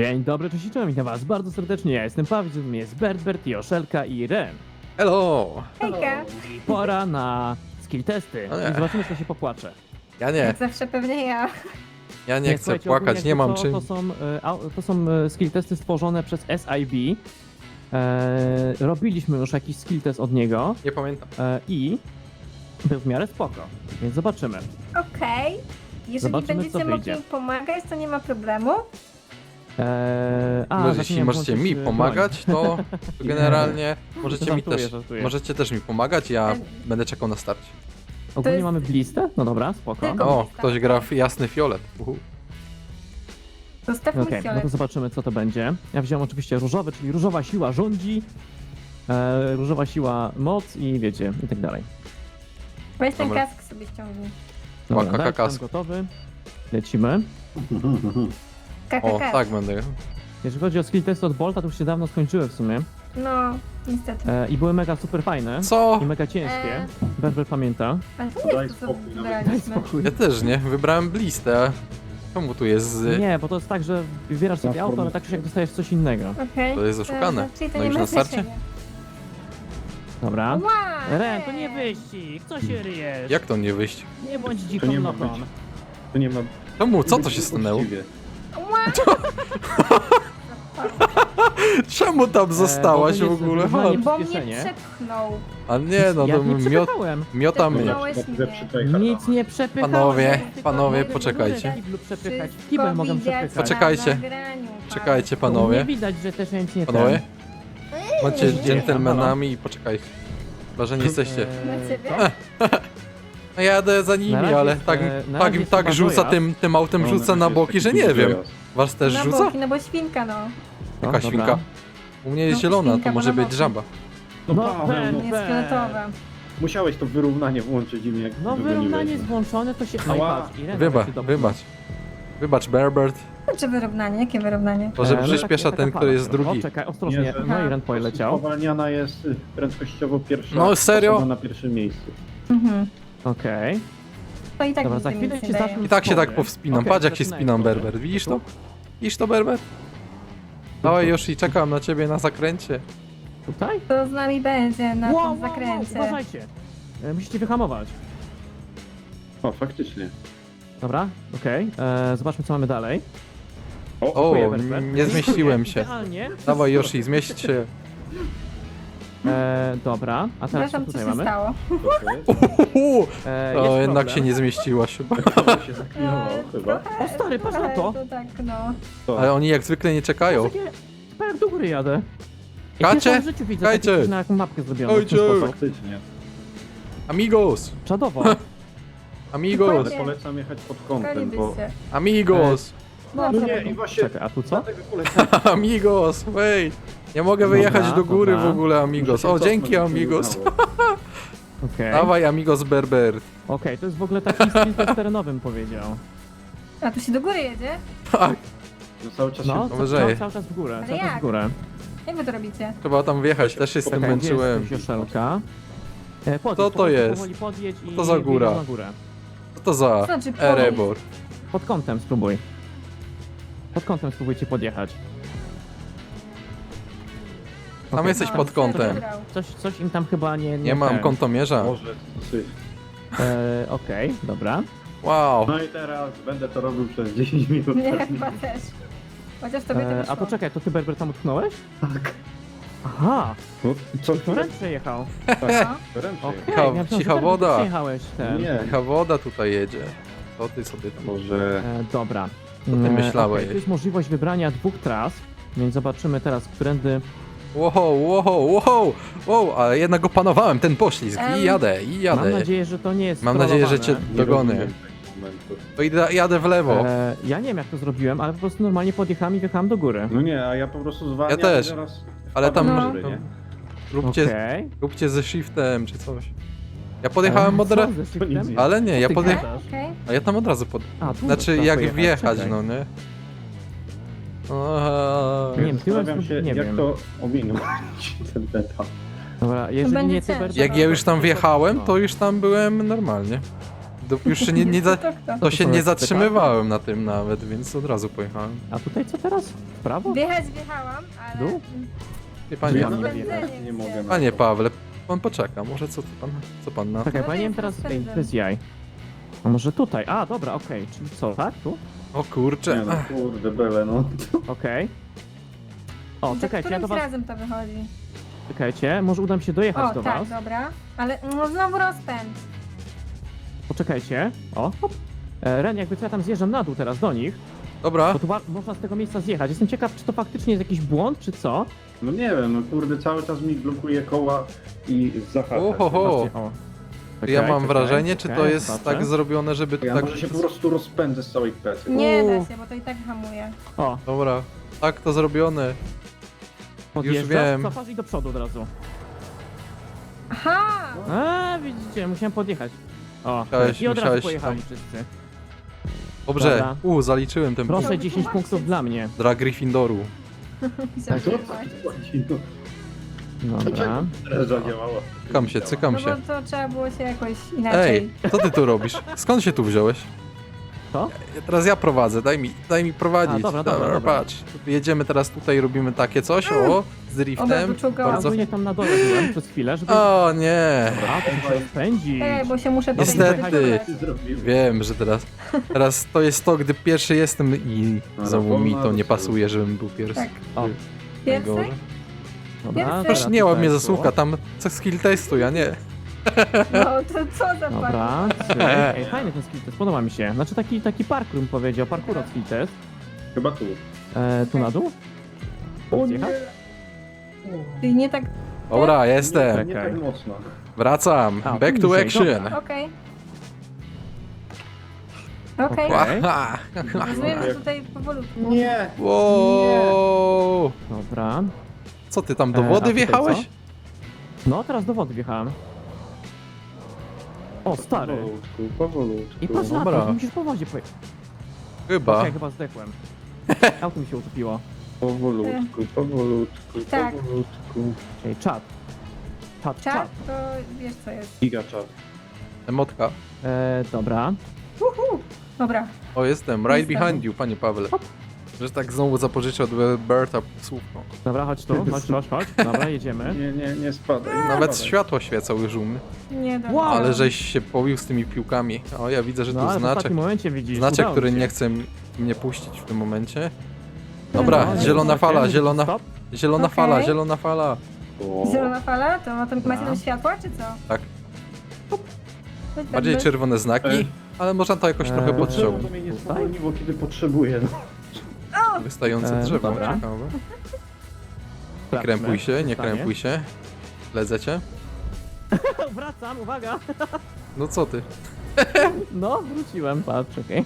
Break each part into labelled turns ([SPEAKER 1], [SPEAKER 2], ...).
[SPEAKER 1] Dzień dobry, cześć i czołem, witam was bardzo serdecznie, ja jestem Paweł, z nami jest Bert, Joszelka i Ren.
[SPEAKER 2] Hello!
[SPEAKER 3] Hejka!
[SPEAKER 1] I pora na skill testy
[SPEAKER 2] O nie.
[SPEAKER 1] i zobaczymy, kto się popłacze.
[SPEAKER 2] Ja nie,
[SPEAKER 3] Jak zawsze pewnie ja.
[SPEAKER 2] ja nie chcę
[SPEAKER 1] Słuchajcie,
[SPEAKER 2] płakać,
[SPEAKER 1] ogólnie
[SPEAKER 2] nie mam
[SPEAKER 1] jakby
[SPEAKER 2] czym.
[SPEAKER 1] To są skill testy stworzone przez SIB. Robiliśmy już jakiś skill test od niego
[SPEAKER 2] Nie pamiętam.
[SPEAKER 1] i był w miarę spoko, więc zobaczymy.
[SPEAKER 3] Okej. Jeżeli
[SPEAKER 1] Zobaczymy,
[SPEAKER 3] będziecie
[SPEAKER 1] co
[SPEAKER 3] mogli
[SPEAKER 1] wyjdzie.
[SPEAKER 3] mi pomagać, to nie ma problemu.
[SPEAKER 1] No,
[SPEAKER 2] Jeśli możecie mi pomagać, to generalnie możecie mi
[SPEAKER 1] Żartuję,
[SPEAKER 2] też.
[SPEAKER 1] żartuję.
[SPEAKER 2] Możecie też mi pomagać, ja będę czekał na starcie.
[SPEAKER 1] Ogólnie
[SPEAKER 3] jest-
[SPEAKER 1] mamy blistę? No dobra, spoko.
[SPEAKER 3] Tylko-
[SPEAKER 2] O, ktoś gra w jasny fiolet.
[SPEAKER 3] Zostaw mi
[SPEAKER 1] Okej, no
[SPEAKER 3] fiolet.
[SPEAKER 1] to zobaczymy, co to będzie. Ja wziąłem oczywiście różowy, czyli różowa siła rządzi, różowa siła moc i wiecie, i tak dalej.
[SPEAKER 3] Weź ten
[SPEAKER 2] Dobra.
[SPEAKER 3] kask sobie ściągnij.
[SPEAKER 1] Dobra,
[SPEAKER 2] Łaka,
[SPEAKER 1] tak,
[SPEAKER 2] kakas.
[SPEAKER 1] jestem gotowy. Lecimy.
[SPEAKER 2] O,
[SPEAKER 3] KKK.
[SPEAKER 2] tak będę.
[SPEAKER 1] Jeżeli chodzi o skill testy od Bolta, to już się dawno skończyły w sumie.
[SPEAKER 3] No, niestety.
[SPEAKER 1] I były mega super fajne.
[SPEAKER 2] Co?
[SPEAKER 1] I mega ciężkie. Berber pamięta.
[SPEAKER 3] Ale to nie
[SPEAKER 4] Daj
[SPEAKER 3] jest to, co
[SPEAKER 4] spokój, nawet.
[SPEAKER 1] Daj
[SPEAKER 3] wybraliśmy.
[SPEAKER 1] spokój.
[SPEAKER 2] Ja też nie, wybrałem blistę. Czemu tu jest z...
[SPEAKER 1] Nie, bo to jest tak, że wybierasz sobie auto, ale tak czy jak dostajesz coś innego.
[SPEAKER 3] Okej.
[SPEAKER 2] To jest oszukane.
[SPEAKER 3] Czyli to
[SPEAKER 2] No
[SPEAKER 3] nie
[SPEAKER 2] już
[SPEAKER 3] ma
[SPEAKER 2] na starcie?
[SPEAKER 3] znaczenia.
[SPEAKER 1] Dobra.
[SPEAKER 3] Ła,
[SPEAKER 1] Ren, to nie wyścig! Co się ryjesz?
[SPEAKER 2] Jak to nie wyjść?
[SPEAKER 1] Nie bądź
[SPEAKER 4] To
[SPEAKER 1] dziką
[SPEAKER 4] nie ma
[SPEAKER 1] nogą.
[SPEAKER 4] być. To nie ma...
[SPEAKER 2] Czemu? Co to się stanęło?
[SPEAKER 4] Uczciwie.
[SPEAKER 3] Ła,
[SPEAKER 2] Czemu tam zostałaś
[SPEAKER 1] bo
[SPEAKER 2] w
[SPEAKER 1] to jest
[SPEAKER 2] ogóle?
[SPEAKER 1] wyzwanie.
[SPEAKER 2] Chodź.
[SPEAKER 3] bo mnie
[SPEAKER 1] Przyspieszenie.
[SPEAKER 3] przepchnął.
[SPEAKER 2] A nie, no
[SPEAKER 1] Ja
[SPEAKER 2] to
[SPEAKER 1] nie przepychałem.
[SPEAKER 2] miota mnie.
[SPEAKER 3] Przepchnąłeś
[SPEAKER 4] Na chwilę
[SPEAKER 3] mnie.
[SPEAKER 4] przytejchał.
[SPEAKER 1] Nic nie przepychałem.
[SPEAKER 2] Panowie,
[SPEAKER 1] tylko
[SPEAKER 2] panowie,
[SPEAKER 1] mogę
[SPEAKER 2] poczekajcie.
[SPEAKER 1] w kiblu przepychać. W
[SPEAKER 3] Wszystko
[SPEAKER 1] kibel mogę
[SPEAKER 3] widać
[SPEAKER 1] przepychać.
[SPEAKER 2] Poczekajcie.
[SPEAKER 3] na nagraniu,
[SPEAKER 2] Czekajcie,
[SPEAKER 3] Paweł.
[SPEAKER 1] Nie
[SPEAKER 2] panowie.
[SPEAKER 1] widać, że też ja nic nie
[SPEAKER 2] Panowie? Bądźcie
[SPEAKER 1] Nie,
[SPEAKER 2] dżentelmenami i poczekajcie. Chyba, że nie jesteście.
[SPEAKER 3] Na ciebie?
[SPEAKER 2] No ja jadę za nimi,
[SPEAKER 1] Na razie
[SPEAKER 2] ale
[SPEAKER 1] jest,
[SPEAKER 2] tak,
[SPEAKER 1] na
[SPEAKER 2] tak,
[SPEAKER 1] razie jest
[SPEAKER 2] tak
[SPEAKER 1] chyba
[SPEAKER 2] rzuca
[SPEAKER 1] dojazd.
[SPEAKER 2] tym autem,
[SPEAKER 4] No,
[SPEAKER 2] rzuca na
[SPEAKER 4] jest
[SPEAKER 2] boki,
[SPEAKER 4] taki
[SPEAKER 2] że nie
[SPEAKER 4] duży
[SPEAKER 2] wiem.
[SPEAKER 4] dojazd.
[SPEAKER 2] Was też
[SPEAKER 3] Na
[SPEAKER 2] rzuca?
[SPEAKER 3] boki, no bo świnka, no.
[SPEAKER 2] Jaka świnka? U mnie jest
[SPEAKER 3] No,
[SPEAKER 2] zielona,
[SPEAKER 3] świnka,
[SPEAKER 2] to może
[SPEAKER 3] bo na
[SPEAKER 2] być
[SPEAKER 3] boki.
[SPEAKER 2] żaba.
[SPEAKER 4] No,
[SPEAKER 1] No,
[SPEAKER 4] Paweł,
[SPEAKER 1] Ben.
[SPEAKER 4] no,
[SPEAKER 3] Nie jest fioletowa.
[SPEAKER 4] musiałeś to wyrównanie włączyć i jak
[SPEAKER 1] No
[SPEAKER 4] wygoniłeś,
[SPEAKER 1] wyrównanie
[SPEAKER 4] no.
[SPEAKER 1] jest włączone, to się...
[SPEAKER 4] Ała.
[SPEAKER 1] patrz, Irena
[SPEAKER 2] Wybacz,
[SPEAKER 1] się dobrze
[SPEAKER 2] wybacz. Wybacz, Berbert.
[SPEAKER 3] Czy wyrównanie? Jakie wyrównanie?
[SPEAKER 2] Może
[SPEAKER 1] no
[SPEAKER 2] przyspiesza
[SPEAKER 1] taka
[SPEAKER 2] ten,
[SPEAKER 1] fala
[SPEAKER 2] który jest
[SPEAKER 1] trochę.
[SPEAKER 2] drugi.
[SPEAKER 1] O, czekaj, ostrożnie.
[SPEAKER 4] Nie, że-
[SPEAKER 1] No i Ren poleciał.
[SPEAKER 4] Spowalniana jest prędkościowo pierwsza
[SPEAKER 2] No, serio?
[SPEAKER 4] osoba na pierwszym miejscu.
[SPEAKER 3] Mhm.
[SPEAKER 1] Okej.
[SPEAKER 3] To i tak
[SPEAKER 1] Dobra,
[SPEAKER 3] nigdy
[SPEAKER 1] za chwilę
[SPEAKER 3] nic
[SPEAKER 1] ci
[SPEAKER 3] nie daje.
[SPEAKER 1] zacznę-
[SPEAKER 2] I tak się tak
[SPEAKER 1] Okej,
[SPEAKER 2] powspinam. Patrz jak się
[SPEAKER 1] zaczynaj,
[SPEAKER 2] spinam,
[SPEAKER 1] proszę.
[SPEAKER 2] Berbert. Widzisz to? Widzisz to, Berbert? Dawaj już i czekam na ciebie na zakręcie.
[SPEAKER 1] Tutaj?
[SPEAKER 3] To z nami będzie na
[SPEAKER 1] Wow,
[SPEAKER 3] tym zakręcie.
[SPEAKER 1] uważajcie. Musicie wyhamować.
[SPEAKER 4] O, faktycznie.
[SPEAKER 1] Dobra, okej. Zobaczmy, co mamy dalej.
[SPEAKER 2] O,
[SPEAKER 1] Dziękuję, Berbert.
[SPEAKER 2] nie zmieściłem się.
[SPEAKER 1] Idealnie.
[SPEAKER 2] Dawaj Yoshi, zmieść się.
[SPEAKER 1] Dobra, a teraz co
[SPEAKER 3] Przepraszam, co
[SPEAKER 1] tutaj
[SPEAKER 3] się
[SPEAKER 1] mamy?
[SPEAKER 3] stało.
[SPEAKER 4] To jest.
[SPEAKER 2] O,
[SPEAKER 1] Jest
[SPEAKER 2] jednak
[SPEAKER 1] problem.
[SPEAKER 2] się nie zmieściłaś chyba.
[SPEAKER 4] To się zaklinowało chyba.
[SPEAKER 1] O stary, patrz na to!
[SPEAKER 3] To tak, no.
[SPEAKER 4] To.
[SPEAKER 2] Ale oni jak zwykle nie czekają.
[SPEAKER 1] Takie, jak do góry jadę.
[SPEAKER 2] Kacie?
[SPEAKER 1] Pierwszy raz w życiu widzę
[SPEAKER 2] Kajcie?
[SPEAKER 1] takie coś na jaką mapkę zrobioną w ten
[SPEAKER 2] Ojcze!
[SPEAKER 1] sposób.
[SPEAKER 4] Faktycznie.
[SPEAKER 2] Amigos!
[SPEAKER 1] Czadowo.
[SPEAKER 2] Amigos!
[SPEAKER 4] Ale polecam jechać pod kątem, bo...
[SPEAKER 3] Kolibyście.
[SPEAKER 2] Amigos!
[SPEAKER 3] No,
[SPEAKER 4] No nie, i właśnie...
[SPEAKER 1] Czekaj, a tu co?
[SPEAKER 4] Dlatego polecam.
[SPEAKER 2] Amigos! Wait! Nie mogę wyjechać
[SPEAKER 1] Dobra,
[SPEAKER 2] do góry
[SPEAKER 1] dobra.
[SPEAKER 2] w ogóle, Amigos.
[SPEAKER 4] Muszę się
[SPEAKER 2] O,
[SPEAKER 4] cofnąć,
[SPEAKER 2] dzięki,
[SPEAKER 4] żeby się
[SPEAKER 2] Amigos.
[SPEAKER 4] udało.
[SPEAKER 1] Okej.
[SPEAKER 2] Dawaj, Amigos Berbert.
[SPEAKER 1] Okej, to jest w ogóle taki skill test terenowy, powiedział.
[SPEAKER 3] A tu się do góry jedzie?
[SPEAKER 2] Tak,
[SPEAKER 4] No cały czas
[SPEAKER 1] No,
[SPEAKER 4] się...
[SPEAKER 2] wyżej.
[SPEAKER 1] cały czas w górę,
[SPEAKER 3] Ale
[SPEAKER 1] cały czas w
[SPEAKER 3] jak?
[SPEAKER 1] górę.
[SPEAKER 3] Jak wy to robicie?
[SPEAKER 2] trzeba tam wjechać, też się z tym
[SPEAKER 1] Czekaj, gdzie
[SPEAKER 2] męczyłem.
[SPEAKER 1] jest Joszelka? Podjedź,
[SPEAKER 2] Co to
[SPEAKER 1] po prostu
[SPEAKER 2] jest?
[SPEAKER 1] powoli podjedź i
[SPEAKER 2] To za góra.
[SPEAKER 1] wjedziesz na górę.
[SPEAKER 2] Co to za
[SPEAKER 3] To znaczy
[SPEAKER 2] Erebor?
[SPEAKER 1] Pod kątem spróbuj. Pod kątem spróbujcie podjechać.
[SPEAKER 2] Tam
[SPEAKER 1] Okej.
[SPEAKER 2] jesteś pod kątem.
[SPEAKER 1] Coś im tam chyba nie...
[SPEAKER 2] Nie mam
[SPEAKER 1] ten.
[SPEAKER 2] kątomierza.
[SPEAKER 4] Może syf.
[SPEAKER 1] Okej, dobra.
[SPEAKER 2] Wow.
[SPEAKER 4] No i teraz będę to robił przez 10 minut.
[SPEAKER 3] Nie, chyba też. Chociaż tobie to wyszło.
[SPEAKER 1] A poczekaj, to ty Berber tam utknąłeś?
[SPEAKER 4] Tak.
[SPEAKER 1] Aha,
[SPEAKER 4] No, co
[SPEAKER 1] to Ren przejechał.
[SPEAKER 3] No.
[SPEAKER 4] Ręcznie.
[SPEAKER 1] Okej,
[SPEAKER 2] Cicha-
[SPEAKER 1] ja myślałem, że
[SPEAKER 2] cicha
[SPEAKER 1] Berber
[SPEAKER 2] woda.
[SPEAKER 1] Przejechałeś ten.
[SPEAKER 4] Nie,
[SPEAKER 2] Jaka woda tutaj jedzie. Co ty sobie tam...
[SPEAKER 4] może...
[SPEAKER 1] Dobra.
[SPEAKER 2] Co ty myślałeś?
[SPEAKER 1] Tu jest możliwość wybrania dwóch tras, więc zobaczymy teraz, którędy...
[SPEAKER 2] Wow, ale jednak opanowałem ten poślizg i jadę, i
[SPEAKER 1] Mam
[SPEAKER 2] jadę.
[SPEAKER 1] nadzieję, że to nie jest
[SPEAKER 2] Mam nadzieję, że cię
[SPEAKER 1] strollowane.
[SPEAKER 4] Nie
[SPEAKER 2] dogony.
[SPEAKER 4] rozumiem tego momentu.
[SPEAKER 2] To jadę w lewo.
[SPEAKER 1] Ja nie wiem, jak to zrobiłem, ale po prostu normalnie podjechałem i wjechałem do góry.
[SPEAKER 4] No nie, a ja po prostu zwalniam
[SPEAKER 2] Ja też.
[SPEAKER 4] i zaraz...
[SPEAKER 2] Ale tam
[SPEAKER 3] No.
[SPEAKER 4] nie?
[SPEAKER 1] Okej.
[SPEAKER 2] róbcie ze shiftem czy coś. Ja podjechałem od
[SPEAKER 1] Co
[SPEAKER 2] razu.
[SPEAKER 1] ze shiftem?
[SPEAKER 4] To nic nie.
[SPEAKER 2] Ale nie, ja
[SPEAKER 1] Ty
[SPEAKER 2] podjechałem.
[SPEAKER 1] gadasz?
[SPEAKER 3] Okej.
[SPEAKER 2] A ja tam od razu pod...
[SPEAKER 1] A, tu
[SPEAKER 2] Znaczy
[SPEAKER 1] trzeba
[SPEAKER 2] jak
[SPEAKER 1] pojechać,
[SPEAKER 2] wjechać,
[SPEAKER 1] czekaj.
[SPEAKER 2] no nie?
[SPEAKER 1] Nie wiem, tyłem
[SPEAKER 4] Zastanawiam się,
[SPEAKER 1] nie
[SPEAKER 4] jak
[SPEAKER 1] wiem.
[SPEAKER 4] to ominąć ten etap.
[SPEAKER 1] Dobra, jeżeli
[SPEAKER 3] będzie
[SPEAKER 1] nie ty,
[SPEAKER 3] ciężko.
[SPEAKER 1] Berber,
[SPEAKER 2] Jak ja już tam
[SPEAKER 1] to-
[SPEAKER 2] wjechałem,
[SPEAKER 1] no.
[SPEAKER 2] to już tam byłem normalnie. Już się nie,
[SPEAKER 3] To kto?
[SPEAKER 2] to się
[SPEAKER 1] są
[SPEAKER 2] nie
[SPEAKER 1] jakieś
[SPEAKER 2] zatrzymywałem na tym nawet, więc od razu pojechałem.
[SPEAKER 1] A tutaj co teraz? W prawo?
[SPEAKER 3] Wjechałam, ale...
[SPEAKER 1] Dół?
[SPEAKER 2] Wie
[SPEAKER 4] Ja
[SPEAKER 2] panie,
[SPEAKER 1] Ja
[SPEAKER 4] nawet
[SPEAKER 1] nie
[SPEAKER 3] wiem.
[SPEAKER 4] nie mogę. na
[SPEAKER 2] panie
[SPEAKER 4] to.
[SPEAKER 2] Pawle, pan poczeka, może co pan na...
[SPEAKER 1] Czekaj,
[SPEAKER 3] No
[SPEAKER 1] bo ja nie wiem
[SPEAKER 3] jest
[SPEAKER 1] teraz... Ej,
[SPEAKER 3] rozpędem.
[SPEAKER 1] bez jaj. A może tutaj? A, dobra, okej. Czyli co, tak? Tu?
[SPEAKER 2] O kurczę,
[SPEAKER 4] Nie no, kurde, bele, no.
[SPEAKER 1] Okej. O,
[SPEAKER 3] Za
[SPEAKER 1] czekajcie, ja do
[SPEAKER 3] którymś
[SPEAKER 1] was...
[SPEAKER 3] razem to wychodzi.
[SPEAKER 1] Czekajcie, może uda mi się dojechać
[SPEAKER 3] O,
[SPEAKER 1] do
[SPEAKER 3] tak,
[SPEAKER 1] was.
[SPEAKER 3] dobra. Ale no, znowu rozpęd.
[SPEAKER 1] Poczekajcie. O, hop. Ren, jakby co ja tam zjeżdżam na dół teraz do nich,
[SPEAKER 2] dobra.
[SPEAKER 1] bo tu można z tego miejsca zjechać. Jestem ciekaw, czy to faktycznie jest jakiś błąd, czy co?
[SPEAKER 4] No nie wiem, no kurde, cały czas mi blokuje koła i zahacza.
[SPEAKER 2] Ohoho.
[SPEAKER 1] Zobaczcie, o.
[SPEAKER 2] Ja mam
[SPEAKER 1] Czekaj,
[SPEAKER 2] wrażenie, czy to
[SPEAKER 1] czekaj,
[SPEAKER 2] jest
[SPEAKER 1] zobaczę.
[SPEAKER 2] tak zrobione, żeby
[SPEAKER 4] Ja
[SPEAKER 2] tak...
[SPEAKER 4] może się po prostu rozpędzę z całej plecy.
[SPEAKER 3] Nie da się, bo to i tak hamuje.
[SPEAKER 1] O,
[SPEAKER 2] Dobra, tak to zrobione.
[SPEAKER 1] podjeżdżasz,
[SPEAKER 2] wiem.
[SPEAKER 1] cofasz i do przodu od razu.
[SPEAKER 3] Aha!
[SPEAKER 1] A, widzicie, musiałem podjechać. O,
[SPEAKER 2] Musiałeś-
[SPEAKER 1] i od razu
[SPEAKER 2] musiałeś
[SPEAKER 1] pojechali
[SPEAKER 2] tam.
[SPEAKER 1] wszyscy.
[SPEAKER 2] Dobrze,
[SPEAKER 1] Dobra.
[SPEAKER 2] zaliczyłem ten punkt.
[SPEAKER 1] Proszę, 10 punktów dla mnie.
[SPEAKER 2] Dla Gryffindoru.
[SPEAKER 3] Chciałam
[SPEAKER 4] Co?
[SPEAKER 3] wyjechać.
[SPEAKER 1] Dobra.
[SPEAKER 4] Teraz zadziałało.
[SPEAKER 2] Cykam
[SPEAKER 3] No
[SPEAKER 2] się.
[SPEAKER 3] bo to trzeba było się jakoś inaczej.
[SPEAKER 2] Ej, co ty tu robisz? Skąd się tu wziąłeś?
[SPEAKER 1] Co?
[SPEAKER 2] Teraz ja prowadzę, daj mi prowadzić.
[SPEAKER 1] A, dobra.
[SPEAKER 2] Patrz, jedziemy teraz tutaj, robimy takie coś, o, z driftem.
[SPEAKER 3] Oba wyczułkałam.
[SPEAKER 2] Bardzo...
[SPEAKER 1] Ogólnie tam na dole byłem przez chwilę, żeby...
[SPEAKER 2] O nie,
[SPEAKER 1] A, to muszę rozpędzić.
[SPEAKER 3] Bo się muszę tutaj
[SPEAKER 2] Niestety.
[SPEAKER 3] wycofać.
[SPEAKER 4] Ty zrobiłeś.
[SPEAKER 2] wiem, że teraz to jest to, gdy pierwszy jestem i znowu mi to nie pasuje, żebym był pierwszy.
[SPEAKER 3] Tak.
[SPEAKER 1] O,
[SPEAKER 3] Pierwszy?
[SPEAKER 2] Najgorzej.
[SPEAKER 1] dobra.
[SPEAKER 3] Proszę,
[SPEAKER 2] Proszę
[SPEAKER 1] teraz
[SPEAKER 2] nie łap
[SPEAKER 1] tutaj
[SPEAKER 2] mnie
[SPEAKER 1] było.
[SPEAKER 2] za słówka, tam co skill testu, ja nie.
[SPEAKER 3] No to co za
[SPEAKER 1] Dobra,
[SPEAKER 3] pan?
[SPEAKER 1] ej, fajny ten skill test, podoba mi się. Znaczy taki parkour bym powiedział, parkour od skill test.
[SPEAKER 4] Chyba tu.
[SPEAKER 1] Tu na dół? Zjechać?
[SPEAKER 3] Czyli nie tak...
[SPEAKER 2] Dobra, jestem.
[SPEAKER 4] Nie
[SPEAKER 1] Czekaj.
[SPEAKER 4] tak mocno.
[SPEAKER 2] Wracam.
[SPEAKER 1] A,
[SPEAKER 2] Back
[SPEAKER 1] tu
[SPEAKER 2] to
[SPEAKER 1] niżej,
[SPEAKER 2] action.
[SPEAKER 1] dobra.
[SPEAKER 3] Okej. Okej.
[SPEAKER 1] Okej.
[SPEAKER 2] Łaha.
[SPEAKER 3] Rozumiem, że tutaj powolutku.
[SPEAKER 4] Nie!
[SPEAKER 2] Wow.
[SPEAKER 1] Dobra.
[SPEAKER 2] Co ty tam do
[SPEAKER 1] a
[SPEAKER 2] wody
[SPEAKER 1] tutaj
[SPEAKER 2] wjechałeś?
[SPEAKER 1] co? No, teraz do wody wjechałem. O, stary.
[SPEAKER 4] Powolutku.
[SPEAKER 1] I patrz na
[SPEAKER 2] Dobra.
[SPEAKER 1] to, musisz po wodzie pojechać.
[SPEAKER 2] Chyba.
[SPEAKER 1] Okej, chyba zdechłem. Auto mi się utopiło.
[SPEAKER 4] Powolutku.
[SPEAKER 3] Tak.
[SPEAKER 4] Powolutku.
[SPEAKER 1] Ej, czat. Czat.
[SPEAKER 3] Czat, to wiesz co jest.
[SPEAKER 4] Giga czat.
[SPEAKER 2] Emotka.
[SPEAKER 1] Dobra.
[SPEAKER 3] Dobra.
[SPEAKER 2] O, jestem. Right
[SPEAKER 3] Jestem.
[SPEAKER 2] behind you, panie Pawle. Że tak znowu zapożyczę od Berta słówko.
[SPEAKER 1] Dobra, chodź tu, chodź. Dobra, jedziemy.
[SPEAKER 4] Nie spadaj. nie
[SPEAKER 2] Nawet
[SPEAKER 4] spadaj.
[SPEAKER 2] światła świecą już u mnie.
[SPEAKER 3] Nie dobra.
[SPEAKER 1] Wow.
[SPEAKER 2] Ale żeś się pobił z tymi piłkami. O, ja widzę, że
[SPEAKER 1] No,
[SPEAKER 2] tu
[SPEAKER 1] ale w
[SPEAKER 2] znaczek.
[SPEAKER 1] ostatnim momencie widzisz.
[SPEAKER 2] Znaczek,
[SPEAKER 1] udało
[SPEAKER 2] który
[SPEAKER 1] mi się.
[SPEAKER 2] nie chce mnie puścić w tym momencie. Dobra,
[SPEAKER 3] No,
[SPEAKER 2] zielona
[SPEAKER 1] zobaczcie,
[SPEAKER 2] fala,
[SPEAKER 1] mówię,
[SPEAKER 2] zielona,
[SPEAKER 1] stop.
[SPEAKER 2] zielona
[SPEAKER 3] Okej.
[SPEAKER 2] fala, zielona fala.
[SPEAKER 4] O.
[SPEAKER 3] Zielona fala? To macie tam światła, czy co?
[SPEAKER 2] Tak.
[SPEAKER 3] Coś
[SPEAKER 2] Bardziej
[SPEAKER 3] tak
[SPEAKER 2] czerwone znaki, ale można to jakoś trochę
[SPEAKER 1] Eee,
[SPEAKER 2] podciągnąć.
[SPEAKER 4] Potrzeba to mnie nie spowolniło, kiedy potrzebuję. No.
[SPEAKER 2] Wystające drzewo,
[SPEAKER 1] dobra.
[SPEAKER 2] ciekawe. Nie
[SPEAKER 1] Sprawdźmy,
[SPEAKER 2] krępuj się, nie
[SPEAKER 1] stanie.
[SPEAKER 2] krępuj się. Ledzecie?
[SPEAKER 1] Wracam, uwaga.
[SPEAKER 2] No co ty?
[SPEAKER 1] No, wróciłem, patrz, okej.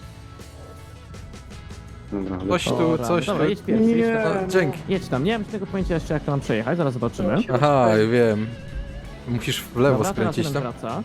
[SPEAKER 4] Dobra,
[SPEAKER 2] Coś tu,
[SPEAKER 1] Dobra,
[SPEAKER 2] coś tu.
[SPEAKER 1] dobra, jedź pierwszy, jedź
[SPEAKER 4] Nie.
[SPEAKER 1] tam.
[SPEAKER 2] No, dzięki.
[SPEAKER 1] Jedź tam, nie mam tego pojęcia jeszcze jak to mam przejechać, zaraz zobaczymy.
[SPEAKER 2] Aha, wiem. Musisz w lewo
[SPEAKER 1] Dobra, teraz
[SPEAKER 2] skręcić
[SPEAKER 1] jeden
[SPEAKER 2] tam.
[SPEAKER 1] wraca.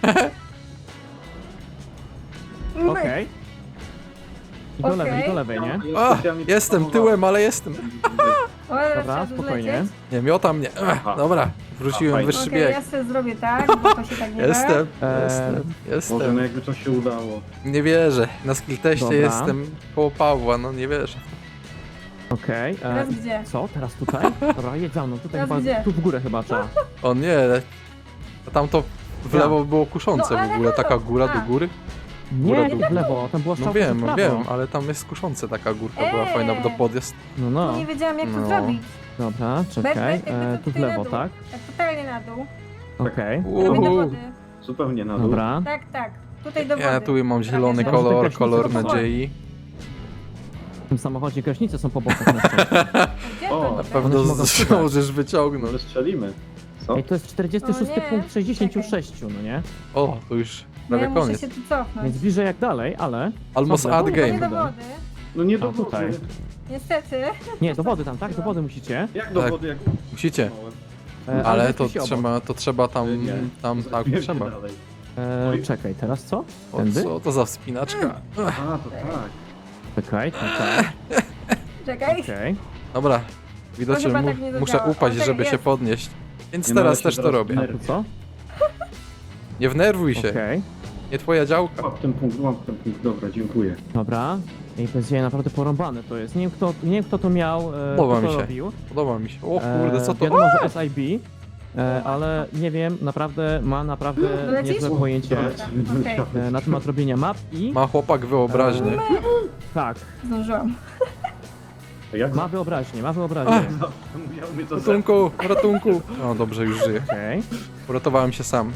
[SPEAKER 3] No
[SPEAKER 1] Okej. I do
[SPEAKER 3] Okej.
[SPEAKER 1] lewej, do lewej, nie?
[SPEAKER 2] A, jestem tyłem, ale jestem.
[SPEAKER 3] O, ale
[SPEAKER 1] Dobra,
[SPEAKER 3] trzeba tu
[SPEAKER 1] spokojnie.
[SPEAKER 3] zlecieć.
[SPEAKER 2] Nie, miota mnie.
[SPEAKER 4] Aha.
[SPEAKER 2] Dobra, wróciłem
[SPEAKER 4] Fajnie.
[SPEAKER 2] wyższy
[SPEAKER 3] Okej,
[SPEAKER 2] bieg.
[SPEAKER 3] ja sobie zrobię tak, bo to się tak nie da.
[SPEAKER 2] Jestem,
[SPEAKER 1] Eee,
[SPEAKER 4] Może no
[SPEAKER 2] jestem.
[SPEAKER 4] jakby to się udało.
[SPEAKER 2] Nie wierzę. Na skill teście
[SPEAKER 1] Dobra.
[SPEAKER 2] jestem koło Pawła, no nie wierzę.
[SPEAKER 1] Okej.
[SPEAKER 3] Teraz gdzie?
[SPEAKER 1] Co? Teraz tutaj? Dobra, jedź za mną, tutaj
[SPEAKER 3] Teraz
[SPEAKER 1] chyba,
[SPEAKER 3] gdzie?
[SPEAKER 1] tu w górę chyba trzeba.
[SPEAKER 2] O nie, a tam to w
[SPEAKER 1] Ja.
[SPEAKER 2] lewo było kuszące
[SPEAKER 3] No,
[SPEAKER 2] w
[SPEAKER 3] ale
[SPEAKER 2] ogóle, taka
[SPEAKER 3] lewo.
[SPEAKER 2] góra do
[SPEAKER 3] A.
[SPEAKER 2] góry.
[SPEAKER 1] Nie,
[SPEAKER 2] Góra
[SPEAKER 1] tu
[SPEAKER 2] do
[SPEAKER 1] w lewo, tam była
[SPEAKER 2] No
[SPEAKER 1] strzałka
[SPEAKER 2] wiem,
[SPEAKER 1] w prawo.
[SPEAKER 2] wiem, ale tam jest kuszące taka górka, była
[SPEAKER 3] Eee.
[SPEAKER 2] fajna do podjazd.
[SPEAKER 1] No,
[SPEAKER 3] No.
[SPEAKER 1] no.
[SPEAKER 3] Nie wiedziałam jak to
[SPEAKER 2] No.
[SPEAKER 3] zrobić.
[SPEAKER 1] Dobra, czekaj.
[SPEAKER 3] Jakby to
[SPEAKER 1] Tu w
[SPEAKER 3] tutaj na
[SPEAKER 1] lewo,
[SPEAKER 3] dół.
[SPEAKER 1] tak?
[SPEAKER 3] Tak totalnie na dół.
[SPEAKER 1] Okej.
[SPEAKER 3] Robię do
[SPEAKER 2] Uhu.
[SPEAKER 3] wody.
[SPEAKER 4] Zupełnie na dół.
[SPEAKER 1] Dobra.
[SPEAKER 3] Tak, tak. Tutaj do wody.
[SPEAKER 2] Ja tu mam zielony
[SPEAKER 3] Prawie, że-
[SPEAKER 2] kolor,
[SPEAKER 1] Gaśnicę
[SPEAKER 2] kolor
[SPEAKER 1] to
[SPEAKER 2] nadziei.
[SPEAKER 1] W tym samochodzie gaśnice są po bokach na szczęście.
[SPEAKER 3] Gdzie
[SPEAKER 4] O,
[SPEAKER 3] to
[SPEAKER 4] na
[SPEAKER 3] niby?
[SPEAKER 2] Pewno
[SPEAKER 1] One się mogą
[SPEAKER 2] zdążysz wyciągnąć.
[SPEAKER 4] Może strzelimy. Co?
[SPEAKER 1] Ej, to jest 46
[SPEAKER 3] O nie.
[SPEAKER 1] punkt 66, no nie?
[SPEAKER 2] O, to już
[SPEAKER 3] No ja
[SPEAKER 2] prawie
[SPEAKER 3] muszę
[SPEAKER 2] koniec.
[SPEAKER 3] się tu cofnąć.
[SPEAKER 1] Więc bliżej jak dalej, ale...
[SPEAKER 2] Almost
[SPEAKER 1] Dobra,
[SPEAKER 2] ad
[SPEAKER 1] to
[SPEAKER 3] To nie
[SPEAKER 2] game.
[SPEAKER 3] do wody.
[SPEAKER 4] No nie
[SPEAKER 1] A,
[SPEAKER 4] do
[SPEAKER 1] tutaj.
[SPEAKER 4] wody.
[SPEAKER 3] Niestety.
[SPEAKER 1] Nie, do wody tam, tak? Do wody musicie.
[SPEAKER 4] Jak do
[SPEAKER 2] Tak.
[SPEAKER 4] wody, jak
[SPEAKER 2] Musicie.
[SPEAKER 1] Ale
[SPEAKER 2] Ale to
[SPEAKER 1] weźcie się
[SPEAKER 2] trzeba, to trzeba tam,
[SPEAKER 4] Nie.
[SPEAKER 2] tak,
[SPEAKER 4] Wiem,
[SPEAKER 2] trzeba.
[SPEAKER 4] dalej.
[SPEAKER 1] Czekaj, teraz co?
[SPEAKER 2] O,
[SPEAKER 1] Tędy?
[SPEAKER 2] co to za wspinaczka?
[SPEAKER 4] Aha, to tak.
[SPEAKER 1] Czekaj, tak,
[SPEAKER 3] Czekaj.
[SPEAKER 1] okej.
[SPEAKER 2] Dobra, widocznie
[SPEAKER 3] chyba tak nie
[SPEAKER 2] muszę
[SPEAKER 3] zadziała.
[SPEAKER 2] upaść,
[SPEAKER 3] O, tak
[SPEAKER 2] żeby się
[SPEAKER 3] jest.
[SPEAKER 2] podnieść. Więc
[SPEAKER 4] Nie, no, ale
[SPEAKER 2] teraz
[SPEAKER 4] się
[SPEAKER 2] też to
[SPEAKER 4] zaraz
[SPEAKER 2] robię.
[SPEAKER 1] A tu co?
[SPEAKER 2] Nie wnerwuj się.
[SPEAKER 1] Okej.
[SPEAKER 2] Nie twoja działka.
[SPEAKER 4] Łap ten punkt, dobra, dziękuję.
[SPEAKER 1] Dobra. I bez jaj naprawdę porąbane to jest. Nie wiem kto to miał,
[SPEAKER 2] Podoba
[SPEAKER 1] kto
[SPEAKER 2] mi
[SPEAKER 1] to
[SPEAKER 2] się.
[SPEAKER 1] robił.
[SPEAKER 2] Podoba mi się. O kurde, co to?
[SPEAKER 1] Wiadomo, że SIB, ale nie wiem, naprawdę ma naprawdę
[SPEAKER 3] Lecisz?
[SPEAKER 1] niezłe pojęcie
[SPEAKER 3] Okej.
[SPEAKER 1] na temat robienia map i
[SPEAKER 2] Ma chłopak wyobraźnię.
[SPEAKER 1] tak,
[SPEAKER 3] Zdążyłam.
[SPEAKER 4] A jak
[SPEAKER 1] ma wyobraźnię, ma wyobraźnię.
[SPEAKER 4] musiał mnie to
[SPEAKER 2] Ratunku, ratunku. O, dobrze, już żyję.
[SPEAKER 1] Okej.
[SPEAKER 2] Uratowałem się sam.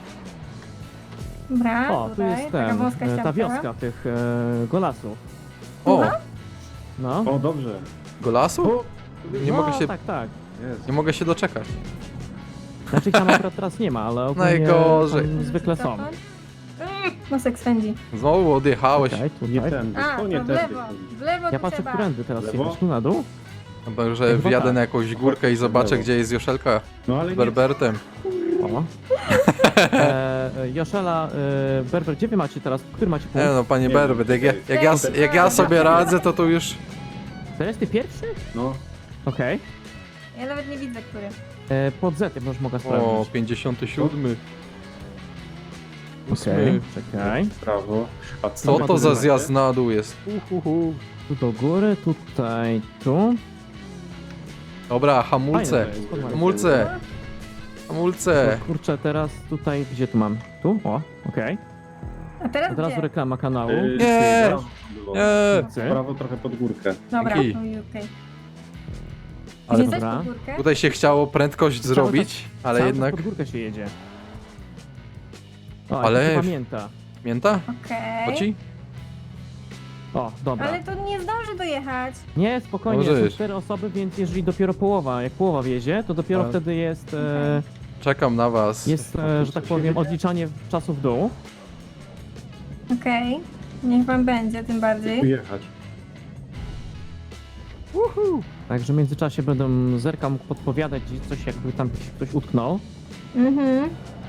[SPEAKER 3] Dobra,
[SPEAKER 1] O, tu
[SPEAKER 3] tutaj,
[SPEAKER 1] jest
[SPEAKER 3] taka
[SPEAKER 1] ten,
[SPEAKER 3] wąska
[SPEAKER 1] ta
[SPEAKER 3] ścianka.
[SPEAKER 1] wioska tych golasów.
[SPEAKER 2] O,
[SPEAKER 1] No.
[SPEAKER 4] O, dobrze.
[SPEAKER 2] golasu? Nie
[SPEAKER 1] no,
[SPEAKER 2] mogę się,
[SPEAKER 1] tak.
[SPEAKER 4] Jest.
[SPEAKER 2] nie mogę się doczekać.
[SPEAKER 1] Znaczy ich tam akurat teraz nie ma, ale ogólnie
[SPEAKER 2] Najgorzej.
[SPEAKER 1] tam zwykle są.
[SPEAKER 3] Nosek swędzi.
[SPEAKER 2] Znowu odjechałeś.
[SPEAKER 1] Okej,
[SPEAKER 4] Nie
[SPEAKER 1] tutaj.
[SPEAKER 4] tędy,
[SPEAKER 3] A,
[SPEAKER 4] to nie
[SPEAKER 3] to w
[SPEAKER 4] tędy.
[SPEAKER 3] lewo. W lewo
[SPEAKER 1] Ja
[SPEAKER 3] tu
[SPEAKER 1] patrzę,
[SPEAKER 3] trzeba.
[SPEAKER 1] którędy teraz
[SPEAKER 4] Lewo?
[SPEAKER 1] jechać, tu na dół?
[SPEAKER 2] Chyba, że
[SPEAKER 1] Chyba
[SPEAKER 2] wjadę
[SPEAKER 1] tak.
[SPEAKER 2] na jakąś górkę i zobaczę, gdzie jest Joszelka
[SPEAKER 4] No ale
[SPEAKER 2] z
[SPEAKER 4] nie,
[SPEAKER 2] Berbertem.
[SPEAKER 1] O. Joszela, Berber, gdzie wy macie teraz, który macie punkt?
[SPEAKER 2] No, panie
[SPEAKER 4] Nie
[SPEAKER 2] Berbert,
[SPEAKER 4] wiem.
[SPEAKER 2] jak ja sobie radzę, to już...
[SPEAKER 1] To jest ty pierwszy?
[SPEAKER 4] no.
[SPEAKER 1] Okej.
[SPEAKER 3] Ja nawet nie widzę, który.
[SPEAKER 1] Pod Z, ja już mogę
[SPEAKER 2] O,
[SPEAKER 1] sprawdzić.
[SPEAKER 2] 57.
[SPEAKER 1] Okej, czekaj.
[SPEAKER 4] Prawo. A
[SPEAKER 2] Co to za zjazd na dół jest?
[SPEAKER 1] Tu do góry, tutaj, tu.
[SPEAKER 2] Dobra,
[SPEAKER 1] Fajne
[SPEAKER 2] hamulce.
[SPEAKER 1] to jest, podoba mi się.
[SPEAKER 2] Hamulce. Hamulce.
[SPEAKER 1] O, kurczę, teraz tutaj, gdzie tu mam? Tu? O, okej.
[SPEAKER 3] A teraz
[SPEAKER 1] Od razu
[SPEAKER 3] gdzie?
[SPEAKER 1] reklama kanału.
[SPEAKER 2] Nie. Nie.
[SPEAKER 1] Cyk.
[SPEAKER 4] Prawo trochę pod górkę.
[SPEAKER 3] Dobra,
[SPEAKER 2] Dzięki.
[SPEAKER 3] no i okej.
[SPEAKER 2] Ale
[SPEAKER 3] Gdzie chcesz
[SPEAKER 1] dobra.
[SPEAKER 3] pod górkę?
[SPEAKER 2] tutaj się chciało prędkość
[SPEAKER 1] Cały
[SPEAKER 2] zrobić, ale
[SPEAKER 1] Cały
[SPEAKER 2] jednak...
[SPEAKER 1] czas pod górkę się jedzie. O,
[SPEAKER 2] Ale-
[SPEAKER 1] ale... pamięta.
[SPEAKER 2] Mięta?
[SPEAKER 3] Okej.
[SPEAKER 2] Koci?
[SPEAKER 1] O, dobra.
[SPEAKER 3] Ale to nie zdąży dojechać.
[SPEAKER 1] Nie, spokojnie,
[SPEAKER 2] Możesz.
[SPEAKER 1] są 4 osoby, więc jeżeli dopiero połowa, jak połowa wiezie, to dopiero
[SPEAKER 2] Ale-
[SPEAKER 1] wtedy jest,
[SPEAKER 2] Czekam na was.
[SPEAKER 1] że tak powiem, odliczanie czasu w dół.
[SPEAKER 3] Okej. Niech wam będzie, tym
[SPEAKER 4] Tu
[SPEAKER 3] bardziej.
[SPEAKER 4] jechać.
[SPEAKER 1] Także w międzyczasie będę zerkał mógł podpowiadać gdzieś coś, jakby tam ktoś utknął.
[SPEAKER 3] Mhm.